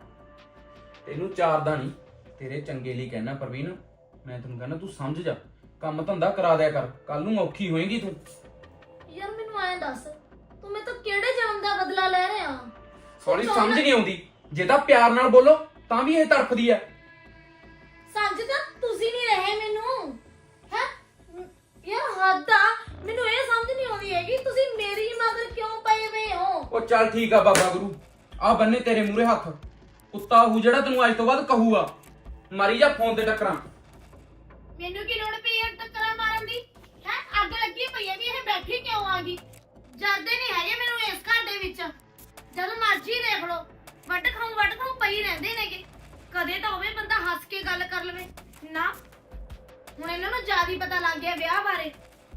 [SPEAKER 1] ਤੈਨੂੰ ਚਾਰਦਾ ਨਹੀਂ, ਤੇਰੇ ਚੰਗੇ ਲਈ ਕਹਿਣਾ ਪ੍ਰਵੀਨ। ਮੈਂ ਤੈਨੂੰ ਕਹਿੰਦਾ ਤੂੰ ਸਮਝ ਜਾ, ਕੰਮ ਧੰਦਾ ਕਰਾ ਦਿਆ ਕਰ, ਕੱਲ ਨੂੰ ਔਖੀ ਹੋਏਗੀ ਤੂੰ।
[SPEAKER 2] ਯਾਰ ਮੈਨੂੰ ਐਂ ਦੱਸ, ਤੂੰ ਮੇਰੇ ਤੋਂ ਕਿਹੜੇ ਜਨਮ ਦਾ ਬਦਲਾ ਲੈ ਰਿਹਾ?
[SPEAKER 1] ਸੌਰੀ ਸਮਝ ਨਹੀਂ ਆਉਂਦੀ। ਜੇ ਤਾਂ ਪਿਆਰ ਨਾਲ ਬੋਲੋ ਤਾਂ ਵੀ ਇਹ ਤੜਫਦੀ ਆ।
[SPEAKER 2] ਸਮਝ ਤਾਂ ਤੁਸੀਂ ਨਹੀਂ ਰਹੇ ਮੈਨੂੰ, ਹੈ ਯਾਰ ਹੱਦ ਆ। ਮੈਨੂੰ ਇਹ ਸਮਝ ਨਹੀਂ ਆਉਂਦੀ ਹੈਗੀ ਤੁਸੀਂ ਮੇਰੀ ਮਗਰ ਕਿਉਂ ਪਏ ਹੋਏ ਹੋ?
[SPEAKER 1] ਉਹ ਚੱਲ ਠੀਕ ਆ ਬਾਬਾ ਗੁਰੂ, ਆ ਬੰਨੇ ਤੇਰੇ ਮੂਹਰੇ ਹੱਥ। ਕੁੱਤਾ ਹੂ ਜਿਹੜਾ ਤੈਨੂੰ ਅੱਜ ਤੋਂ ਬਾਅਦ ਕਹੂਗਾ। ਮਾਰੀ ਜਾ ਫੋਨ ਤੇ ਟੱਕਰਾਂ।
[SPEAKER 2] ਮੈਨੂੰ ਕੀ ਲੋੜ ਪਈ ਹੈ ਟੱਕਰਾਂ ਮਾਰਨ ਦੀ? ਹੈ ਅੱਗ ਲੱਗੀ ਪਈ ਹੈ ਵੀ ਇਹ ਬੈਠੀ ਕਿਉਂ ਆ ਗਈ? ਜਾਂਦੇ ਨਹੀਂ ਹੈਗੇ ਮੈਨੂੰ ਇਸ ਘਰ ਦੇ ਵਿੱਚ। ਜਦ ਮਰਜ਼ੀ ਦੇਖ ਲਓ, ਵੱਟ ਖਾਉ ਪਈ ਰਹਿੰਦੇ ਨੇਗੇ। ਕਦੇ ਤਾਂ ਹੋਵੇ ਬੰਦਾ ਹੱਸ ਕੇ ਗੱਲ ਕਰ ਲਵੇ ਨਾ। ਹੁਣ ਇਹਨਾਂ ਨੂੰ ਜ਼ਿਆਦਾ ਹੀ ਪਤਾ ਲੱਗ ਗਿਆ ਵਿਆਹ ਬਾਰੇ।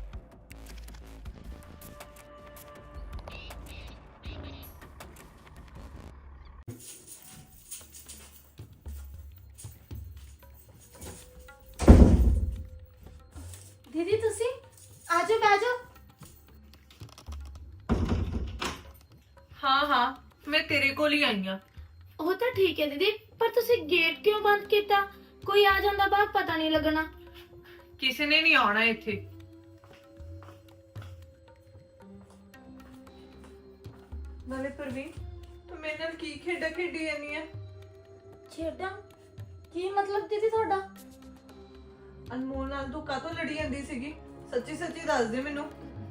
[SPEAKER 2] ਦੀਦੀ ਤੁਸੀਂ ਆਜੋ, ਬਹਿ ਜਾਓ।
[SPEAKER 3] ਹਾਂ ਮੈਂ ਤੇਰੇ ਕੋਲ ਹੀ ਆਈ ਆ।
[SPEAKER 2] ਉਹ ਤਾਂ ਠੀਕ ਹੈ ਦੀਦੀ, ਪਰ ਤੁਸੀਂ ਗੇਟ ਕਿਉਂ ਬੰਦ ਕੀਤਾ? ਕੋਈ ਆ ਜਾਂਦਾ ਬਾਹਰ ਪਤਾ ਨਹੀਂ ਲੱਗਣਾ।
[SPEAKER 3] ਕਿਸੇ ਨੇ ਨਹੀਂ ਆਉਣਾ ਇੱਥੇ। ਨਾਲੇ ਪ੍ਰਵੀਨ, ਤੂੰ ਮੇਰੇ ਨਾਲ ਕੀ ਖੇਡਾਂ ਖੇਡੀ ਜਾਂਦੀ ਆ?
[SPEAKER 2] ਛੇੜਾਂ? ਕੀ ਮਤਲਬ ਦੀਦੀ ਤੁਹਾਡਾ?
[SPEAKER 3] ਅਨਮੋਲ ਨਾਲ ਤੂੰ ਕਾਹਤੋਂ ਲੜੀ ਜਾਂਦੀ ਸੀਗੀ? ਸੱਚੀ ਸੱਚੀ ਦੱਸ ਦੇ ਮੈਨੂੰ।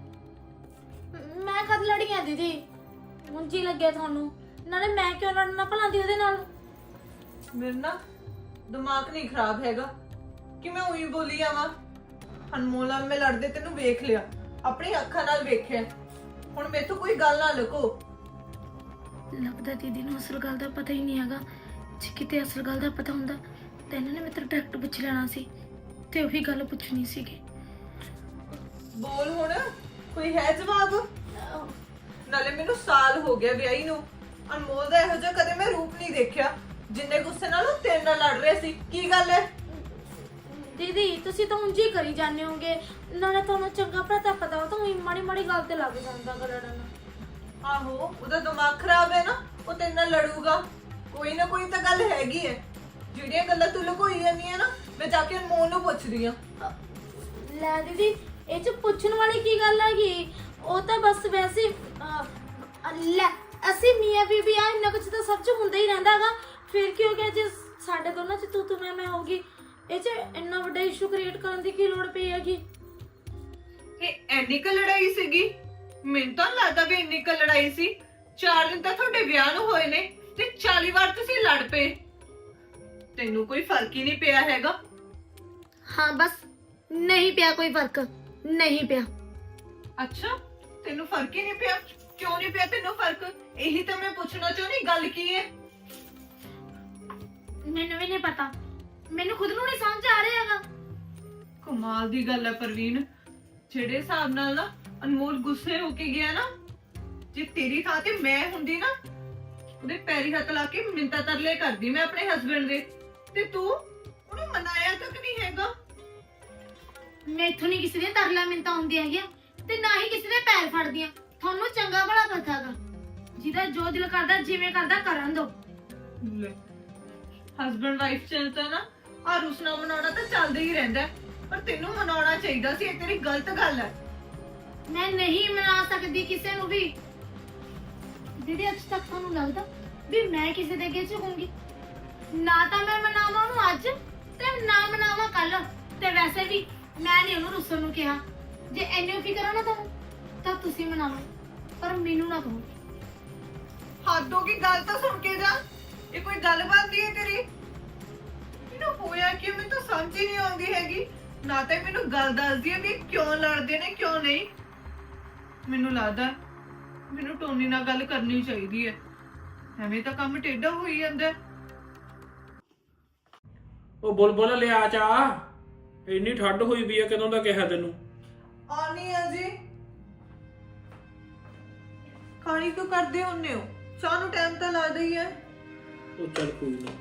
[SPEAKER 2] ਮੈਂ ਕਦ ਲੜੀ ਆ ਦੀਦੀ? ਮੁੰਜੀ ਲੱਗਿਆ ਤੁਹਾਨੂੰ? ਨਾਲੇ ਮੈਂ ਕਿਉਂ ਲੜਨਾ ਭਲਾ ਦੀ ਉਹਦੇ ਨਾਲ?
[SPEAKER 3] ਮੇਰਾ ਨਾ ਦਿਮਾਗ ਨਹੀਂ ਖਰਾਬ ਹੈਗਾ ਕਿ ਮੈਂ ਉਹੀ ਬੋਲੀ ਆਵਾਂ। ਅਨਮੋਲ ਨਾਲ ਮੈਂ ਲੜਦੇ ਤੈਨੂੰ ਵੇਖ ਲਿਆ, ਆਪਣੀ ਅੱਖਾਂ ਨਾਲ ਵੇਖਿਆ। ਹੁਣ ਮੈਥੋਂ ਕੋਈ ਗੱਲ ਨਾ ਲੁਕੋ।
[SPEAKER 2] ਲੱਗਦਾ ਦੀਦੀ ਨੂੰ ਅਸਲ ਗੱਲ ਦਾ ਪਤਾ ਹੀ ਨਹੀਂ ਹੈਗਾ। ਜੇ ਕਿਤੇ ਅਸਲ ਗੱਲ ਦਾ ਪਤਾ ਹੁੰਦਾ ਤਾਂ ਇਹਨਾਂ ਨੇ ਮੇਰੇ ਤੋਂ ਡਾਇਰੈਕਟ ਪੁੱਛ ਲੈਣਾ ਸੀ ਤੇ ਉਹੀ ਗੱਲ ਪੁੱਛਣੀ ਸੀਗੀ।
[SPEAKER 3] ਬੋਲ ਹੁਣ, ਕੋਈ ਹੈ ਜਵਾਬ? ਨਾਲੇ ਮੈਨੂੰ ਸਾਲ ਹੋ ਗਿਆ ਵਿਆਹੀ ਨੂੰ। ਅਨਮੋਲ ਦਾ ਇਹੋ ਜਿਹਾ ਕਦੇ ਮੈਂ ਰੂਪ ਨਹੀਂ ਦੇਖਿਆ ਜਿੰਨੇ ਗੁੱਸੇ ਨਾਲ ਉਹ ਤੇਰੇ ਨਾਲ ਲੜ ਰਿਹਾ ਸੀ। ਕੀ ਗੱਲ ਹੈ?
[SPEAKER 2] ਦੀਦੀ ਤੁਸੀਂ ਤਾਂ ਉਂਝ ਹੀ ਕਰੀ ਜਾਂਦੇ ਹੋਗੇ, ਨਾਲੇ ਤੁਹਾਨੂੰ ਚੰਗਾ ਭਲਾ ਤਾਂ ਪਤਾ, ਉਹ ਤਾਂ ਉਹੀ ਮਾੜੀ ਮਾੜੀ ਗੱਲ ਤੇ ਲੱਗ ਜਾਂਦਾ ਲੜਨ।
[SPEAKER 3] ਆਹੋ, ਉਹਦਾ ਦਿਮਾਗ ਖਰਾਬ ਹੈ ਨਾ, ਉਹ ਤੇਰੇ ਨਾਲ ਲੜੂਗਾ। ਕੋਈ ਨਾ ਕੋਈ ਤਾਂ ਗੱਲ ਹੈਗੀ ਹੈ। ਜਿਹੜੀਆਂ ਗੱਲਾਂ ਤੂੰ ਲੁਕੋਈ ਜਾਂਦੀ ਹੈ ਨਾ, ਮੈਂ ਜਾ ਕੇ ਅਨਮੋਲ ਨੂੰ ਪੁੱਛਦੀ ਆ।
[SPEAKER 2] ਲੈ ਦੀਦੀ, ਇਹ ਚ ਪੁੱਛਣ ਵਾਲੀ ਕੀ ਗੱਲ ਹੈਗੀ? ਉਹ ਤਾਂ ਬਸ ਵੈਸੇ ਲੈ ਅਸੀਂ ਮੀਆਂ ਬੀਬੀ ਆ, ਇੰਨਾ ਕੁਝ ਤਾਂ ਸਭ ਚ ਹੁੰਦਾ ਹੀ ਰਹਿੰਦਾਗਾ। ਫਿਰ ਕੀ ਹੋ ਗਿਆ ਜੇ ਸਾਡੇ ਦੋਨਾਂ ਚ ਤੂੰ ਮੈਂ ਹੋਗੀ? ਇਹ ਚ ਇੰਨਾ ਵੱਡਾ ਇਸ਼ੂ ਕ੍ਰੀਏਟ ਕਰਨ ਦੀ ਕੀ ਲੋੜ ਪਈ ਹੈਗੀ?
[SPEAKER 3] ਇਹ ਐਨੀ ਕੁ ਲੜਾਈ ਸੀਗੀ? ਮੈਨੂੰ ਤਾਂ ਲੱਗਦਾ ਵੀ ਇੰਨੀ ਕੁ ਲੜਾਈ ਸੀ। 4 ਦਿਨ ਤਾਂ ਤੁਹਾਡੇ ਵਿਆਹ ਨੂੰ ਹੋਏ ਨੇ ਤੇ 40 ਵਾਰ ਤੁਸੀਂ ਲੜ ਪਏ। ਤੈਨੂੰ ਕੋਈ ਫਰਕ ਹੀ ਨਹੀਂ ਪਿਆ ਹੈਗਾ।
[SPEAKER 2] ਹਾਂ ਬਸ ਨਹੀਂ ਪਿਆ ਕੋਈ ਫਰਕ, ਨਹੀਂ ਪਿਆ।
[SPEAKER 3] ਅੱਛਾ, ਤੈਨੂੰ ਫਰਕ ਹੀ ਨਹੀਂ ਪਿਆ? ਕਿਉਂ ਨਹੀਂ ਪਿਆ ਤੈਨੂੰ ਫਰਕ? ਇਹੀ ਤਾਂ ਮੈਂ ਪੁੱਛਣਾ ਚਾਹੁੰਦੀ, ਗੱਲ ਕੀ ਹੈ?
[SPEAKER 2] ਮੈਨੂੰ ਵੀ ਨਹੀਂ ਪਤਾ, ਮੈਨੂੰ ਖੁਦ ਨੂੰ ਨਹੀਂ ਸਮਝ ਆ ਰਿਹਾ ਹੈਗਾ।
[SPEAKER 3] ਕਮਾਲ ਦੀ ਗੱਲ ਹੈ ਪ੍ਰਵੀਨ। ਜਿਹੜੇ ਹਿਸਾਬ ਨਾਲ ਨਾ ਅਨਮੋਲ ਗੁੱਸੇ ਹੋ ਕੇ ਗਿਆ ਨਾ, ਜੇ ਤੇਰੀ ਥਾਂ ਤੇ ਮੈਂ ਹੁੰਦੀ ਨਾ, ਉਹਦੇ ਪੈਰੀ ਹੱਥ ਲਾ ਕੇ ਮਿੰਤਾ ਤਰਲੇ ਕਰਦੀ ਮੈਂ ਆਪਣੇ ਹਸਬੰਡ ਦੇ। ਤੇ ਤੂੰ ਉਹਨੂੰ ਮਨਾਇਆ ਤੱਕ ਨਹੀਂ ਹੈਗਾ।
[SPEAKER 2] ਮੈਥੋਂ ਨਹੀਂ ਕਿਸੇ ਦੀਆਂ ਤਰਲਾ ਮਿੰਤਾ ਹੁੰਦੀਆਂ ਹੈਗੀਆਂ ਤੇ ਨਾ ਹੀ ਕਿਸੇ ਦੇ ਪੈਰ ਫੜਦੀਆਂ। ਤੁਹਾਨੂੰ ਚੰਗਾ ਭਲਾ ਪਤਾ ਹੈਗਾ, ਜਿਹਦਾ ਜੋ ਦਿਲ ਕਰਦਾ ਜਿਵੇਂ ਕਰਦਾ ਕਰਨ ਦੋ।
[SPEAKER 3] ਹਸਬੰਡ ਵਾਈਫ ਚ ਤਾਂ ਨਾ ਆ ਰੁਸਣਾ ਮਨਾਉਣਾ ਤਾਂ ਚੱਲਦਾ ਹੀ ਰਹਿੰਦਾ ਹੈ, ਪਰ ਤੈਨੂੰ ਮਨਾਉਣਾ ਚਾਹੀਦਾ ਸੀ। ਇਹ ਤੇਰੀ ਗਲਤ ਗੱਲ ਹੈ।
[SPEAKER 2] ਮੈਂ ਨਹੀਂ ਮਨਾ ਸਕਦੀ ਕਿਸੇ ਨੂੰ ਵੀ। ਦੀਦੀ ਅੱਜ ਤੱਕ ਤੁਹਾਨੂੰ ਲੱਗਦਾ ਵੀ ਮੈਂ ਕਿਸੇ ਦੇ ਅੱਗੇ ਝੁਕੂੰਗੀ? ਨਾ ਤਾਂ ਮੈਂ ਮਨਾਵਾਂ ਉਹਨੂੰ ਅੱਜ ਤੇ ਨਾ ਮਨਾਵਾਂ ਕੱਲ। ਤੇ ਵੈਸੇ ਵੀ ਮੈਂ ਨਹੀਂ ਉਹਨੂੰ ਰੁੱਸਣ ਨੂੰ ਕਿਹਾ। ਜੇ ਇੰਨੀ ਫਿਕਰ ਆ ਨਾ ਤੁਹਾਨੂੰ ਤਾਂ ਤੁਸੀਂ ਮਨਾਵੋ, ਪਰ ਮੈਨੂੰ ਨਾ ਕਹੋ।
[SPEAKER 3] ਹੱਦੋਂ ਕੀ ਗੱਲ ਤਾਂ ਸੁਣ ਕੇ ਜਾ। ਇਹ ਕੋਈ ਗੱਲ ਬਣਦੀ ਹੈ ਤੇਰੀ? ਮੈਨੂੰ ਹੋਇਆ ਕਿ ਮੈਨੂੰ ਤਾਂ ਸਮਝ ਹੀ ਨਹੀਂ ਆਉਂਦੀ ਹੈਗੀ। ਨਾ ਤਾਂ ਇਹ ਮੈਨੂੰ ਗੱਲ ਦੱਸਦੀ ਹੈ ਵੀ ਇਹ ਕਿਉਂ ਲੜਦੇ ਨੇ ਕਿਉਂ ਨਹੀਂ। ਮੈਨੂੰ ਲੱਗਦਾ ਮੈਨੂੰ ਟੋਨੀ ਨਾਲ ਗੱਲ ਕਰਨੀ ਚਾਹੀਦੀ ਹੈ, ਐਵੇਂ ਤਾਂ ਕੰਮ ਟੇਢਾ ਹੋਈ ਜਾਂਦਾ ਹੈ।
[SPEAKER 4] ਉਹ ਬੁਲਬੁਲ ਲਿਆ ਚਾਹ, ਇੰਨੀ ਠੰਡ ਹੋਈ ਵੀ ਆ, ਕਦੋਂ ਦਾ ਕਿਹਾ ਤੈਨੂੰ।
[SPEAKER 3] ਆਨੀ ਆ ਜੀ। ਖਾਣੀ ਕਿਉਂ ਕਰਦੇ ਹੁੰਨੇ ਹੋ? ਚਾਹ ਨੂੰ ਟਾਈਮ ਤਾਂ ਲੱਗਦਾ ਹੀ ਹੈ।
[SPEAKER 4] ਉਹ ਚੱਲ ਕੋਈ ਨਾ।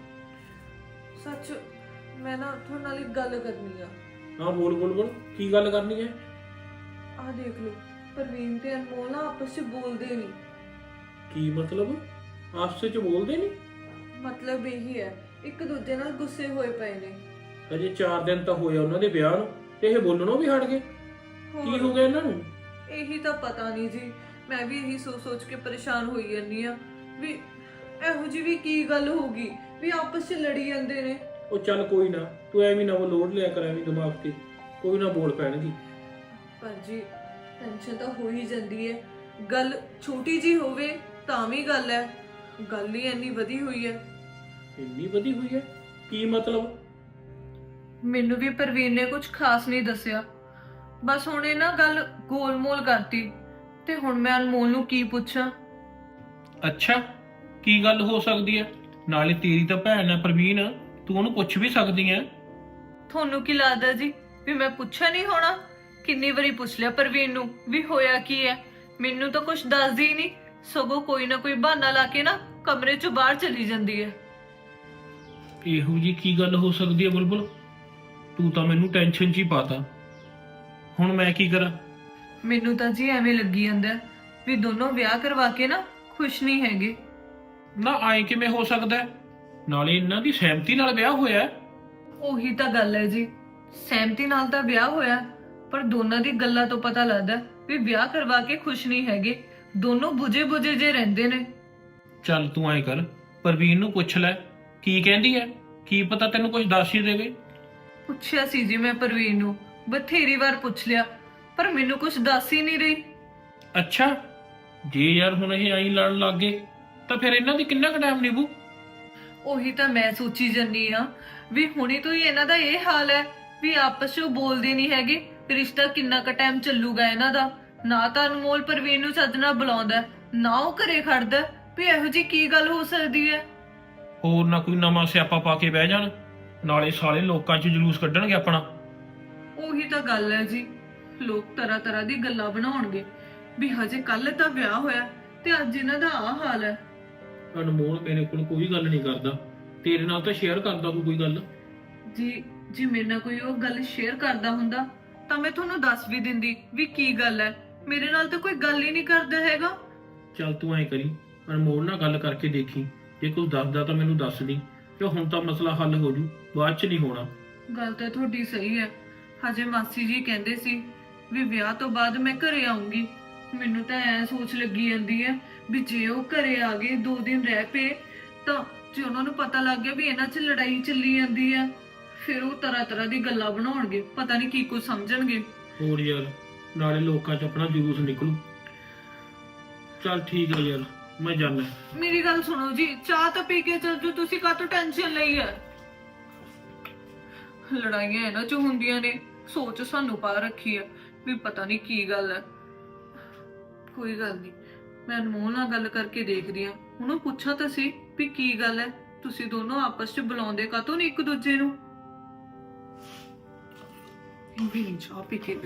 [SPEAKER 3] ਸੱਚ ਮੈਂ ਨਾ ਤੁਹਾਡੇ ਨਾਲ ਇੱਕ ਗੱਲ ਕਰਨੀ ਆ।
[SPEAKER 4] ਹਾਂ ਬੋਲ ਬੁਲਬੁਲ, ਕੀ ਗੱਲ ਕਰਨੀ ਹੈ?
[SPEAKER 3] ਆਹ ਦੇਖ ਲਓ, ਪ੍ਰਵੀਨ ਤੇ ਅਨਮੋਲ ਨਾ ਆਪਸ ਚ ਬੋਲਦੇ ਨਹੀਂ।
[SPEAKER 4] ਕੀ ਮਤਲਬ? ਆਪਸ ਵਿੱਚ ਬੋਲਦੇ ਨਹੀਂ?
[SPEAKER 3] ਮਤਲਬ ਇਹੀ ਹੈ, ਇੱਕ ਦੂਜੇ ਨਾਲ ਗੁੱਸੇ ਹੋਏ ਪਏ ਨੇ।
[SPEAKER 4] ਅਜੇ 4 ਦਿਨ ਤਾਂ ਹੋਇਆ ਉਹਨਾਂ ਦੇ ਵਿਆਹ ਨੂੰ, ਤੇ ਇਹ ਬੋਲਣੋਂ ਵੀ ਹਟ ਗਏ। ਕੀ ਹੋ ਗਿਆ ਇਹਨਾਂ ਨੂੰ?
[SPEAKER 3] ਇਹੀ ਤਾਂ ਪਤਾ ਨਹੀਂ ਜੀ। ਮੈਂ ਵੀ ਇਹੀ ਸੋਚ ਕੇ ਪਰੇਸ਼ਾਨ ਹੋਈ ਜਾਂਦੀ ਆ ਵੀ ਇਹੋ ਜਿਹੀ ਵੀ ਕੀ ਗੱਲ ਹੋ ਗਈ ਵੀ ਆਪਸ ਚ ਲੜੀ ਜਾਂਦੇ ਨੇ।
[SPEAKER 4] ਉਹ ਚੱਲ ਕੋਈ ਨਾ, ਤੂੰ ਐਵੇਂ ਨਾ ਉਹ ਲੋਡ ਲਿਆ ਕਰ ਐਵੇਂ ਦਿਮਾਗ ਤੇ, ਕੋਈ ਨਾ ਬੋਲ ਪੈਣਗੀ।
[SPEAKER 3] ਪਰ ਜੀ ਟੈਨਸ਼ਨ ਤਾਂ ਹੋ ਹੀ ਜਾਂਦੀ ਹੈ। ਗੱਲ ਛੋਟੀ ਜੀ ਹੋਵੇ ਤਾਂ ਵੀ ਗੱਲ ਹੈ, ਗੱਲ ਹੀ ਇੰਨੀ ਵਧੀ ਹੋਈ ਹੈ।
[SPEAKER 4] ਇੰਨੀ ਵਧੀ ਹੋਈ ਹੈ? ਕੀ ਮਤਲਬ?
[SPEAKER 3] ਮੈਨੂੰ ਵੀ ਪ੍ਰਵੀਨ ਨੇ ਕੁਝ ਖਾਸ ਨਹੀਂ ਦੱਸਿਆ, ਬਸ ਹੁਣ ਇਹ ਨਾ ਗੱਲ ਗੋਲ-ਮੋਲ ਕਰਤੀ ਤੇ ਹੁਣ ਮੈਂ ਅਨਮੋਲ ਨੂੰ ਕੀ ਪੁੱਛਾਂ।
[SPEAKER 4] ਅੱਛਾ, ਕੀ ਗੱਲ ਹੋ ਸਕਦੀ ਹੈ? ਨਾਲੇ ਤੇਰੀ ਤਾਂ ਭੈਣ ਹੈ ਪ੍ਰਵੀਨ, ਤੂੰ ਉਹਨੂੰ ਪੁੱਛ ਵੀ ਸਕਦੀ ਹੈ।
[SPEAKER 3] ਤੁਹਾਨੂੰ ਕੀ ਲੱਗਦਾ ਜੀ ਵੀ ਮੈਂ ਪੁੱਛਿਆ ਨਹੀਂ ਹੋਣਾ? ਕਿੰਨੀ ਵਾਰੀ ਪੁੱਛ ਲਿਆ ਪ੍ਰਵੀਨ ਨੂੰ ਵੀ ਹੋਇਆ ਕੀ ਹੈ। ਮੈਨੂੰ ਤਾਂ ਕੁਝ ਦੱਸਦੀ ਹੀ ਨਹੀਂ, ਸਗੋਂ ਕੋਈ ਨਾ ਕੋਈ ਬਹਾਨਾ ਲਾ ਕੇ ਨਾ ਕਮਰੇ ਚੋਂ ਬਾਹਰ ਚਲੀ ਜਾਂਦੀ ਹੈ।
[SPEAKER 4] ਇਹੋ ਜੀ ਕੀ ਗੱਲ ਹੋ ਸਕਦੀ ਹੈ ਬੁਲਬੁਲ? ਤੂੰ ਤਾਂ ਮੈਨੂੰ ਟੈਨਸ਼ਨ 'ਚ ਹੀ ਪਾਤਾ। ਹੁਣ ਮੈਂ ਕੀ ਕਰਾਂ?
[SPEAKER 3] ਮੈਨੂੰ ਤਾਂ ਜੀ ਐਵੇਂ ਲੱਗੀ ਜਾਂਦਾ ਵੀ ਦੋਨੋਂ ਵਿਆਹ ਕਰਵਾ ਕੇ ਨਾ ਖੁਸ਼ ਨਹੀਂ ਹੈਗੇ।
[SPEAKER 4] ਨਾ ਆਏ ਕਿਵੇਂ ਹੋ ਸਕਦਾ ਹੈ? ਨਾਲੇ ਇਹਨਾਂ ਦੀ ਸਹਿਮਤੀ ਨਾਲ ਵਿਆਹ ਹੋਇਆ ਹੈ।
[SPEAKER 3] ਉਹੀ ਤਾਂ ਗੱਲ ਹੈ ਜੀ, ਸਹਿਮਤੀ ਨਾਲ ਤਾਂ ਵਿਆਹ ਹੋਇਆ, ਪਰ ਦੋਨਾਂ ਦੀ ਗੱਲਾਂ ਤੋਂ ਪਤਾ ਲੱਗਦਾ ਵੀ ਵਿਆਹ ਕਰਵਾ ਕੇ ਖੁਸ਼ ਨਹੀਂ ਹੈਗੇ। ਦੋਨੋਂ ਬੁਝੇ ਜੇ ਰਹਿੰਦੇ ਨੇ।
[SPEAKER 4] ਚੱਲ ਤੂੰ ਐਂ ਕਰ, ਪ੍ਰਵੀਨ ਨੂੰ ਪੁੱਛ ਲੈ ਕੀ ਕਹਿੰਦੀ ਹੈ, ਕੀ ਪਤਾ ਤੈਨੂੰ ਕੁਝ ਦੱਸ ਹੀ ਦੇਵੇ।
[SPEAKER 3] ਪੁੱਛਿਆ ਸੀ ਜੀ ਮੈਂ ਪ੍ਰਵੀਨ ਨੂੰ, ਬਥੇਰੀ ਵਾਰ ਪੁੱਛ ਲਿਆ, ਪਰ ਮੈਨੂੰ ਕੁਝ ਦੱਸ ਹੀ ਨਹੀਂ ਰਹੀ।
[SPEAKER 4] ਅੱਛਾ, ਜੇ ਯਾਰ ਹੁਣ ਇਹ ਐਂ ਲੜਨ ਲੱਗ ਗਏ ਤਾਂ ਫਿਰ ਇਹਨਾਂ ਦੀ ਕਿੰਨਾ ਕੁ ਟਾਈਮ ਨਿਭੂ?
[SPEAKER 3] ਉਹੀ ਤਾਂ ਮੈਂ ਸੋਚੀ ਜੰਨੀ ਆ ਵੀ ਹੁਣੀ ਤੋਂ ਹੀ ਇਹਨਾਂ ਦਾ ਇਹ ਹਾਲ ਹੈ ਵੀ ਆਪਸ ਵਿੱਚ ਬੋਲਦੇ ਨਹੀਂ ਹੈਗੇ। ਰਿਸ਼ਤਾ ਕਿੰਨਾ ਕੁ ਟਾਈਮ ਚੱਲੂਗਾ ਇਹਨਾਂ ਦਾ? ਨਾ ਤਾਂ ਅਨਮੋਲ ਪ੍ਰਵੀਨ ਨੂੰ ਚੱਜ ਨਾਲ ਬੁਲਾਉਂਦਾ, ਨਾ ਉਹ ਘਰੇ ਖੜਦਾ, ਵੀ ਇਹੋ ਜੀ ਕੀ ਗੱਲ ਹੋ ਸਕਦੀ ਹੈ?
[SPEAKER 4] ਹੋਰ ਨਾ ਕੋਈ ਨਵਾਂ ਸਿਆਪਾ ਪਾ ਕੇ ਬਹਿ ਜਾਣ, ਨਾਲੇ ਸਾਲੇ ਲੋਕਾਂ 'ਚ ਜਲੂਸ ਕੱਢਣਗੇ ਆਪਣਾ।
[SPEAKER 3] ਉਹੀ ਤਾਂ ਗੱਲ ਹੈ ਜੀ, ਲੋਕ ਤਰ੍ਹਾਂ ਦੀ ਗੱਲਾਂ ਬਣਾਉਣਗੇ ਵੀ ਹਜੇ ਕੱਲ ਤਾਂ ਵਿਆਹ ਹੋਇਆ ਤੇ ਅੱਜ ਇਹਨਾਂ ਦਾ ਆਹ ਹਾਲ ਹੈ।
[SPEAKER 4] ਅਨਮੋਲ ਮੇਰੇ ਕੋਲ ਕੋਈ ਗੱਲ ਨਹੀਂ ਕਰਦਾ, ਤੇਰੇ ਨਾਲ ਤਾਂ ਸ਼ੇਅਰ ਕਰਦਾ ਤੂੰ ਕੋਈ ਗੱਲ।
[SPEAKER 3] ਜੀ ਮੇਰੇ ਨਾਲ ਕੋਈ ਉਹ ਗੱਲ ਸ਼ੇਅਰ ਕਰਦਾ ਹੁੰਦਾ ਤਾਂ ਮੈਂ ਤੁਹਾਨੂੰ ਦੱਸ ਵੀ ਦਿੰਦੀ ਵੀ ਕੀ ਗੱਲ ਹੈ। ਮੇਰੇ ਨਾਲ ਤਾਂ ਕੋਈ ਗੱਲ ਹੀ ਨਹੀਂ ਕਰਦਾ ਹੈਗਾ।
[SPEAKER 4] ਚੱਲ ਤੂੰ ਐਂ ਕਰੀ, ਅਨਮੋਲ ਨਾਲ ਗੱਲ ਕਰਕੇ ਦੇਖੀ, ਜੇ ਕੁਝ ਦੱਸਦਾ ਤਾਂ ਮੈਨੂੰ ਦੱਸ ਦੀ, ਤੇ ਹੁਣ ਤਾਂ ਮਸਲਾ ਹੱਲ ਹੋ ਜੂ, ਬਾਅਦ 'ਚ ਨਹੀਂ ਹੋਣਾ।
[SPEAKER 3] ਗੱਲ ਤਾਂ ਤੁਹਾਡੀ ਸਹੀ ਹੈ। ਹਜੇ ਮਾਸੀ ਜੀ ਕਹਿੰਦੇ ਸੀ ਵੀ ਵਿਆਹ ਤੋਂ ਬਾਅਦ ਮੈਂ ਘਰੇ ਆਉਂਗੀ। ਮੈਨੂੰ ਤਾਂ ਐ ਸੋਚ ਲੱਗੀ ਜਾਂਦੀ ਹੈ ਵੀ ਜੇ ਉਹ ਘਰੇ ਆ ਗਏ 2 ਦਿਨ ਰਹਿ ਪਏ ਤਾਂ ਜੇ ਉਹਨਾਂ ਨੂੰ ਪਤਾ ਲੱਗ ਗਿਆ ਵੀ ਇਹਨਾਂ 'ਚ ਲੜਾਈ ਚੱਲੀ ਜਾਂਦੀ ਹੈ, ਫਿਰ ਉਹ ਤਰ੍ਹਾਂ ਦੀ ਗੱਲਾਂ ਬਣਾਉਣਗੇ, ਪਤਾ ਨਹੀਂ ਕੀ ਕੁਝ ਸਮਝਣਗੇ।
[SPEAKER 4] ਹੋਰ ਯਾਰ, ਨਾਲੇ ਲੋਕਾਂ 'ਚ ਆਪਣਾ ਜਲੂਸ ਨਿਕਲੂ। ਚੱਲ ਠੀਕ ਹੈ ਯਾਰ, ਮੈਂ ਜਾਣਾ।
[SPEAKER 3] ਮੇਰੀ ਗੱਲ ਸੁਣੋ ਜੀ, ਚਾਹ ਤਾਂ ਪੀ ਕੇ ਚੱਲ ਜੋ, ਤੁਸੀਂ ਕਾਹਤੋਂ ਟੈਨਸ਼ਨ ਲਈ ਹੈ? ਲੜਾਈਆਂ ਇਹਨਾਂ 'ਚ ਹੁੰਦੀਆਂ ਨੇ, ਸੋਚ ਸਾਨੂੰ ਪਾ ਰੱਖੀ ਹੈ ਵੀ ਪਤਾ ਨਹੀਂ ਕੀ ਗੱਲ ਹੈ। ਕੋਈ ਗੱਲ ਨਹੀਂ, ਮੈਂ ਅਨਮੋਲ ਨਾਲ ਗੱਲ ਕਰਕੇ ਦੇਖਦੀ ਹਾਂ। ਉਹਨੂੰ ਪੁੱਛਾਂ ਤਾਂ ਸੀ ਵੀ ਕੀ ਗੱਲ ਹੈ, ਤੁਸੀਂ ਦੋਨੋਂ ਆਪਸ 'ਚ ਬੁਲਾਉਂਦੇ ਕਾਹਤੋਂ ਨਹੀਂ ਇੱਕ ਦੂਜੇ ਨੂੰ? ਵੀ ਨਹੀਂ ਚਾਹ ਪੀ ਕੇ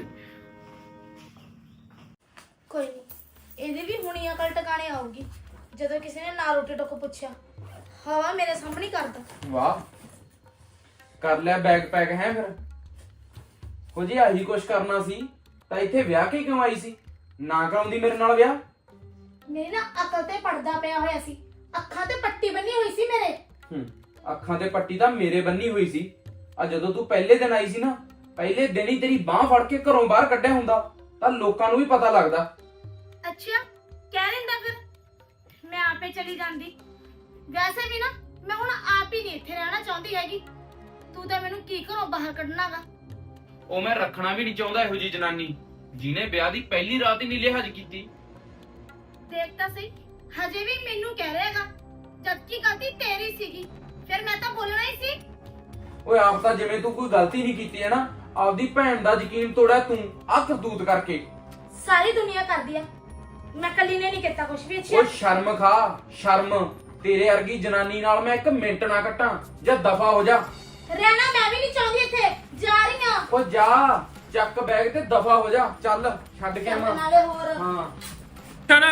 [SPEAKER 2] ਕੋਈ ਨਹੀਂ, ਇਹਦੀ ਵੀ ਹੁਣੀ ਅਕਲ ਟਿਕਾਣੇ ਆਊਗੀ ਜਦੋਂ ਕਿਸੇ ਨੇ ਨਾ ਰੋਟੀ ਟੋਕ ਪੁੱਛਿਆ। ਹਵਾ ਮੇਰੇ ਸਾਹਮਣੇ ਹੀ ਕਰਦਾ।
[SPEAKER 1] ਵਾਹ, ਕਰ ਲਿਆ ਬੈਗ ਪੈਕ ਹੈ ਫਿਰ? ਹੋ ਜੀ ਆਹੀ ਕੁਛ ਕਰਨਾ ਸੀ ਤਾਂ ਇੱਥੇ ਵਿਆਹ ਕੇ ਕਿਉਂ ਆਈ ਸੀ? ਨਾ ਕਰਾਉਂਦੀ ਮੇਰੇ ਨਾਲ ਵਿਆਹ।
[SPEAKER 2] ਮੇਰੀ ਨਾ ਅਕਲ ਤੇ ਪੜਦਾ ਪਿਆ ਹੋਇਆ ਸੀ, ਅੱਖਾਂ ਤੇ ਪੱਟੀ ਬੰਨੀ ਹੋਈ ਸੀ ਮੇਰੇ।
[SPEAKER 1] ਅੱਖਾਂ ਤੇ ਪੱਟੀ ਤਾਂ ਮੇਰੇ ਬੰਨੀ ਹੋਈ ਸੀ, ਆ ਜਦੋਂ ਤੂੰ ਪਹਿਲੇ ਦਿਨ ਆਈ ਸੀ ਨਾ, ਪਹਿਲੇ ਦਿਨ ਹੀ ਤੇਰੀ ਬਾਹ ਫੜ ਕੇ ਘਰੋਂ ਬਾਹਰ ਕੱਢਿਆ ਹੁੰਦਾ ਤਾਂ ਲੋਕਾਂ ਨੂੰ ਵੀ ਪਤਾ ਲੱਗਦਾ।
[SPEAKER 2] ਅੱਛਾ ਕਹਿ ਲੈਂਦਾ ਫਿਰ ਮੈਂ ਆਪੇ ਚਲੀ ਜਾਂਦੀ। ਵੈਸੇ ਵੀ ਨਾ ਮੈਂ ਹੁਣ ਆਪ ਹੀ ਨਹੀਂ ਇੱਥੇ ਰਹਿਣਾ ਚਾਹੁੰਦੀ ਹੈਗੀ। ਤੂੰ ਤਾਂ ਮੈਨੂੰ ਕੀ ਘਰੋਂ ਬਾਹਰ ਕੱਢਣਾਗਾ।
[SPEAKER 1] ਉਹ ਮੈਂ ਰੱਖਣਾ ਵੀ ਨਹੀਂ ਚਾਹੁੰਦਾ ਇਹੋ ਜੀ ਜਨਾਨੀ ਜਿਹਨੇ ਵਿਆਹ ਦੀ ਪਹਿਲੀ ਰਾਤ ਹੀ ਨਹੀਂ ਲਿਹਾਜ਼ ਕੀਤੀ।
[SPEAKER 2] ਦੇਖ ਤਾਂ ਸਹੀ, ਹਜੇ ਵੀ ਮੈਨੂੰ ਕਹਿ ਰਿਹਾਗਾ ਜਦਕਿ ਗਲਤੀ ਤੇਰੀ ਸੀਗੀ। ਫਿਰ ਮੈਂ ਤਾਂ ਬੋਲਣਾ ਹੀ ਸੀ।
[SPEAKER 1] ਓਏ ਆਪ ਤਾਂ ਜਿਵੇਂ ਤੂੰ ਕੋਈ ਗਲਤੀ ਨਹੀਂ ਕੀਤੀ ਹੈ ਨਾ, ਆਪਦੀ ਭੈਣ ਦਾ ਯਕੀਨ ਤੋੜਿਆ ਤੂੰ ਆਹ ਕਰਤੂਤ ਕਰਕੇ।
[SPEAKER 2] ਸਾਰੀ ਦੁਨੀਆ ਕਰਦੀ ਆ, ਮੈਂ ਕੱਲੀ ਨੇ ਨਹੀਂ ਕੀਤਾ ਕੁਝ ਵੀ। ਅੱਛਾ
[SPEAKER 1] ਓਏ ਸ਼ਰਮ ਖਾ, ਸ਼ਰਮ। ਤੇਰੇ ਵਰਗੀ ਜਨਾਨੀ ਨਾਲ ਮੈਂ ਇੱਕ ਮਿੰਟ ਨਾ ਕੱਟਾਂ, ਜਾਂ ਦਫਾ ਹੋ ਜਾ।
[SPEAKER 2] ਰਹਿਣਾ ਮੈਂ ਵੀ ਨਹੀਂ ਚਾਹੁੰਦੀ ਇੱਥੇ, ਜਾ ਰਹੀ ਆ।
[SPEAKER 1] ਓ ਜਾ, ਚੱਕ ਬੈਗ ਤੇ ਦਫਾ ਹੋ ਜਾ। ਚੱਲ ਛੱਡ ਕੇ ਆਵਾਂ।
[SPEAKER 2] ਨਾਲੇ ਹੋਰ
[SPEAKER 1] ਹਾਂ
[SPEAKER 4] ਚੱਲ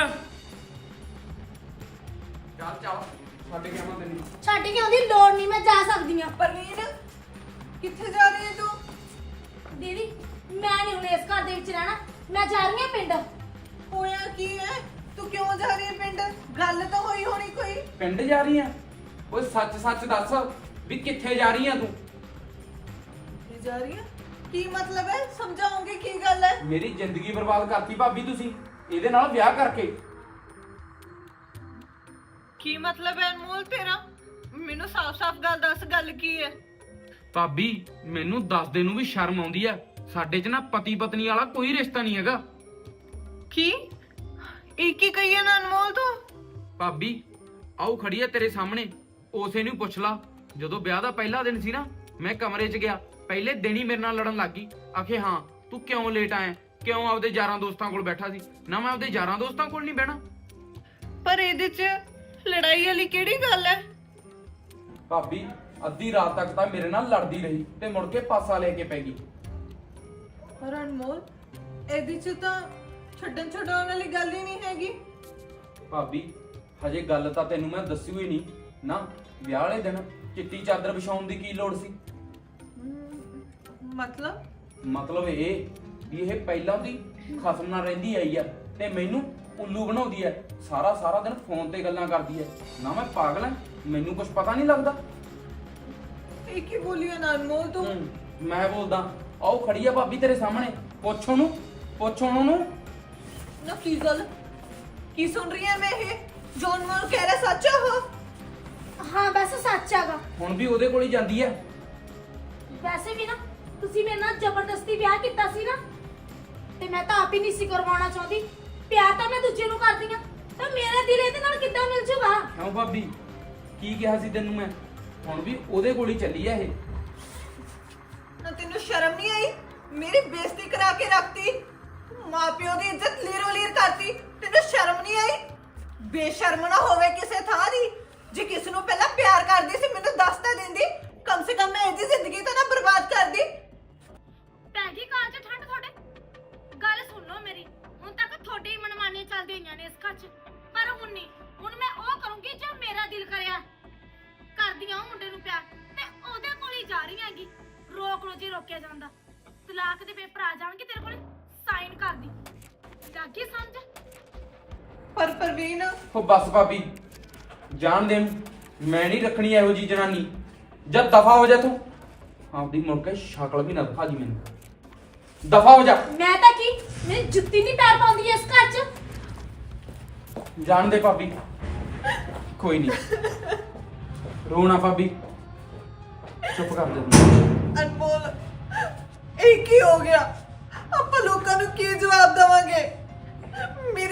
[SPEAKER 1] ਚੱਲ ਚੱਲ ਛੱਡ ਕੇ ਆਵਾਂ ਤੈਨੂੰ।
[SPEAKER 2] ਛੱਡ ਕੇ ਆਉਂਦੀ ਲੋੜ ਨਹੀਂ, ਮੈਂ ਜਾ ਸਕਦੀ ਆ।
[SPEAKER 3] ਪਰਵੀਨ ਕਿੱਥੇ ਜਾ ਰਹੀ ਹੈ ਤੂੰ?
[SPEAKER 2] ਦੀਦੀ ਮੈਂ ਨਹੀਂ ਹੁਣ ਇਸ ਘਰ ਦੇ ਵਿੱਚ ਰਹਿਣਾ, ਮੈਂ ਜਾ ਰਹੀ ਆ ਪਿੰਡ।
[SPEAKER 3] ਹੋਇਆ ਕੀ ਹੈ? ਤੂੰ ਕਿਉਂ ਜਾ ਰਹੀ ਹੈ ਪਿੰਡ? ਗੱਲ ਤਾਂ ਹੋਈ ਹੋਣੀ ਕੋਈ।
[SPEAKER 1] ਪਿੰਡ ਜਾ ਰਹੀ ਆ? ਓਏ ਸੱਚ ਸੱਚ ਦੱਸ ਵੀ ਕਿੱਥੇ ਜਾ ਰਹੀ ਆ ਤੂੰ?
[SPEAKER 3] ਕਿੱਥੇ ਜਾ ਰਹੀ ਹੈ? ਕੀ ਮਤਲਬ ਹੈ? ਸਮਝਾਉਂਗੇ ਕੀ ਗੱਲ ਹੈ?
[SPEAKER 1] ਮੇਰੀ ਜ਼ਿੰਦਗੀ ਬਰਬਾਦ ਕਰਤੀ ਭਾਬੀ ਤੁਸੀਂ ਇਹਦੇ ਨਾਲ ਵਿਆਹ ਕਰਕੇ।
[SPEAKER 3] ਕੀ ਮਤਲਬ ਹੈ ਅਨਮੋਲ ਤੇਰਾ? ਮੈਨੂੰ ਸਾਫ਼-ਸਾਫ਼ ਗੱਲ ਦੱਸ, ਗੱਲ ਕੀ ਹੈ?
[SPEAKER 1] ਭਾਬੀ ਮੈਨੂੰ ਦੱਸਦੇ ਨੂੰ ਵੀ ਸ਼ਰਮ ਆਉਂਦੀ ਆ। ਸਾਡੇ 'ਚ ਨਾ ਪਤੀ ਪਤਨੀ ਵਾਲਾ ਕੋਈ ਰਿਸ਼ਤਾ ਨਹੀਂ ਹੈਗਾ।
[SPEAKER 3] ਕੀ ਇੱਕ ਹੀ ਕਹੀਏ ਨਾ ਅਨਮੋਲ ਤੂੰ?
[SPEAKER 1] ਭਾਬੀ ਆਓ ਖੜੀ ਆ ਤੇਰੇ ਸਾਹਮਣੇ, ਉਸੇ ਨੂੰ ਪੁੱਛ ਲਾ। ਜਦੋਂ ਵਿਆਹ ਦਾ ਪਹਿਲਾ ਦਿਨ ਸੀ ਨਾ, ਮੈਂ ਕਮਰੇ 'ਚ ਗਿਆ, ਪਹਿਲੇ ਦਿਨ ਹੀ ਮੇਰੇ ਨਾਲ ਲੜਨ ਲੱਗ ਗਈ। ਆਖੇ ਹਾਂ ਤੂੰ ਕਿਉਂ ਲੇਟ ਆਇਆ, ਕਿਉਂ ਆਪਦੇ ਯਾਰਾਂ ਦੋਸਤਾਂ ਕੋਲ ਬੈਠਾ ਸੀ। ਨਾ ਮੈਂ ਆਪਦੇ ਯਾਰਾਂ ਦੋਸਤਾਂ ਕੋਲ ਨਹੀਂ ਬਹਿਣਾ।
[SPEAKER 3] ਪਰ ਇਹਦੇ 'ਚ ਲੜਾਈ ਵਾਲੀ ਕਿਹੜੀ ਗੱਲ ਹੈ?
[SPEAKER 1] ਭਾਬੀ ਅੱਧੀ ਰਾਤ ਤੱਕ ਤਾਂ ਮੇਰੇ ਨਾਲ ਲੜਦੀ ਰਹੀ ਤੇ ਮੁੜ ਕੇ ਪਾਸਾ ਲੈ ਕੇ ਪੈ ਗਈ।
[SPEAKER 3] ਪਰ ਅਨਮੋਲ ਇਹਦੇ 'ਚ ਤਾਂ ਛੱਡਣ ਛਡਾਉਣ ਵਾਲੀ ਗੱਲ ਹੀ ਨਹੀਂ ਹੈਗੀ।
[SPEAKER 1] ਭਾਬੀ ਹਜੇ ਗੱਲ ਤਾਂ ਤੈਨੂੰ ਮੈਂ ਦੱਸੀ ਹੋਈ ਨਹੀਂ ਨਾ। ਵਿਆਹ ਵਾਲੇ ਦਿਨ ਚਿੱਟੀ ਚਾਦਰ ਵਿਛਾਉਣ ਦੀ ਕੀ ਲੋੜ ਸੀ? ਮਤਲਬ ਇਹ ਵੀ ਇਹ ਪਹਿਲਾਂ ਦੀ ਖਸਮ ਨਾਲ ਰਹਿੰਦੀ ਆਈ ਆ ਤੇ ਮੈਨੂੰ ਉੱਲੂ ਬਣਾਉਂਦੀ ਐ। ਸਾਰਾ ਦਿਨ ਫੋਨ ਤੇ ਗੱਲਾਂ ਕਰਦੀ ਐ। ਨਾ ਮੈਂ ਪਾਗਲ ਐ, ਮੈਨੂੰ ਕੁਝ ਪਤਾ ਨਹੀਂ ਲੱਗਦਾ।
[SPEAKER 3] ਇਹ ਕੀ ਬੋਲੀ ਨਾ ਅਨਮੋਲ ਤੂੰ?
[SPEAKER 1] ਮੈਂ ਬੋਲਦਾ। ਆਓ ਖੜੀ ਆ ਭਾਬੀ ਤੇਰੇ ਸਾਹਮਣੇ, ਪੁੱਛ ਉਹਨੂੰ।
[SPEAKER 3] ਨਾ ਕੀ ਗੱਲ? ਕੀ ਸੁਣ ਰਹੀ ਹੈ ਮੈਂ? ਇਹ ਜੋ ਅਨਮੋਲ ਕਹਿ ਰਿਹਾ ਸੱਚ ਆ? ਉਹ
[SPEAKER 2] ਹਾਂ ਬਸ ਸੱਚ ਹੈਗਾ।
[SPEAKER 1] ਹੁਣ ਵੀ ਉਹਦੇ ਕੋਲ ਹੀ ਜਾਂਦੀ ਐ।
[SPEAKER 2] ਵੈਸੇ ਵੀ ਨਾ ਤੁਸੀਂ ਮੇਰੇ ਨਾਲ ਜ਼ਬਰਦਸਤੀ ਵਿਆਹ ਕੀਤਾ ਸੀ ਨਾ, ਤੇ ਮੈਂ ਤਾਂ ਆਪ ਹੀ ਨਹੀਂ ਸੀ ਕਰਵਾਉਣਾ ਚਾਹੁੰਦੀ। ਪਿਆਰ ਤਾਂ ਮੈਂ ਦੂਜੇ ਨੂੰ ਕਰਦੀ ਆ, ਤਾਂ ਮੇਰਾ ਦਿਲ ਇਹਦੇ ਨਾਲ ਕਿੱਦਾਂ ਮਿਲ ਜੂਗਾ?
[SPEAKER 1] ਕਿਉਂ ਭਾਬੀ ਕੀ ਕਿਹਾ ਸੀ ਤੈਨੂੰ ਮੈਂ? ਹੁਣ ਵੀ ਉਹਦੇ ਕੋਲ ਹੀ ਚੱਲੀ ਐ ਇਹ।
[SPEAKER 3] ਨਾ ਤੈਨੂੰ ਸ਼ਰਮ ਨਹੀਂ ਆਈ? ਮੇਰੀ ਬੇਇੱਜ਼ਤੀ ਕਰਾ ਕੇ ਰੱਖਤੀ, ਮਾਪਿਓ ਦੀ ਇੱਜ਼ਤ ਲੀਰੋ ਲੀਰ ਕਰਤੀ। ਤੈਨੂੰ ਸ਼ਰਮ ਨਹੀਂ ਆਈ? ਬੇਸ਼ਰਮ ਨਾ ਹੋਵੇ ਕਿਸੇ ਥਾਂ ਦੀ। ਜੇ ਕਿਸ ਨੂੰ ਪਹਿਲਾਂ ਪਿਆਰ ਕਰਦੀ ਸੀ ਮੈਨੂੰ ਦੱਸ ਤਾਂ ਦਿੰਦੀ, ਕਮ ਸੇ ਕਮ ਮੈਂ ਇਹਦੀ ਜ਼ਿੰਦਗੀ ਤਾਂ ਨਾ ਬਰਬਾਦ ਕਰਦੀ।
[SPEAKER 2] ਭੈਣ ਜੀ ਕਾਲ 'ਚ ਠੰਡ ਤੁਹਾਡੇ। ਗੱਲ ਸੁਣ ਲਓ ਮੇਰੀ, ਹੁਣ ਤੱਕ ਤੁਹਾਡੀ ਮਨਮਾਨੀ ਚੱਲਦੀ ਹੋਈਆਂ ਨੇ ਇਸ ਘਰ 'ਚ, ਪਰ ਹੁਣ ਨਹੀਂ। ਹੁਣ ਮੈਂ ਉਹ ਕਰੂੰਗੀ ਜੋ ਮੇਰਾ ਦਿਲ ਕਰਿਆ। ਕਰਦੀ ਆ ਉਹ ਮੁੰਡੇ ਨੂੰ ਪਿਆਰ ਤੇ ਉਹਦੇ ਕੋਲ ਹੀ ਜਾ ਰਹੀ ਹੈਗੀ। ਰੋਕ ਲੋ ਜੇ ਰੋਕਿਆ ਜਾਂਦਾ। ਤਲਾਕ ਦੇ ਪੇਪਰ ਆ ਜਾਣਗੇ ਤੇਰੇ ਕੋਲ, ਸਾਈਨ ਕਰ ਦੀ। ਲੱਗੀ ਸਮਝ?
[SPEAKER 3] ਪਰ ਪਰਵੀਨ
[SPEAKER 1] ਉਹ ਬਸ ਭਾਬੀ ਜਾਣ ਦੇ, ਮੈਂ ਨਹੀਂ ਰੱਖਣੀ ਇਹੋ ਜੀ ਜਨਾਨੀ। ਜਦ ਦਫਾ ਹੋ ਜਾ ਤੂੰ, ਆਪਦੀ ਮੁੜ ਕੇ ਸ਼ਕਲ ਵੀ ਨਾ ਦਿਖਾ ਜੀ ਮੈਨੂੰ। ਦਫਾ ਹੋ ਜਾ।
[SPEAKER 2] ਮੈਂ ਤਾਂ ਕੀ, ਮੇਰੀ ਜੁੱਤੀ ਨਹੀਂ ਪੈਰ ਪਾਉਂਦੀ ਇਸ ਘਰ 'ਚ।
[SPEAKER 1] ਜਾਣ ਦੇ ਭਾਬੀ, ਕੋਈ ਨਹੀਂ ਰੋਣਾ ਭਾਬੀ, ਚੁੱਪ ਕਰ ਜਾ ਤੂੰ।
[SPEAKER 3] ਅਨਮੋਲ ਇਹ ਕੀ ਹੋ ਗਿਆ? ਆਪਾਂ ਲੋਕਾਂ ਨੂੰ ਕੀ ਜਵਾਬ ਦੇਵਾਂਗੇ? ਮੇਰੀ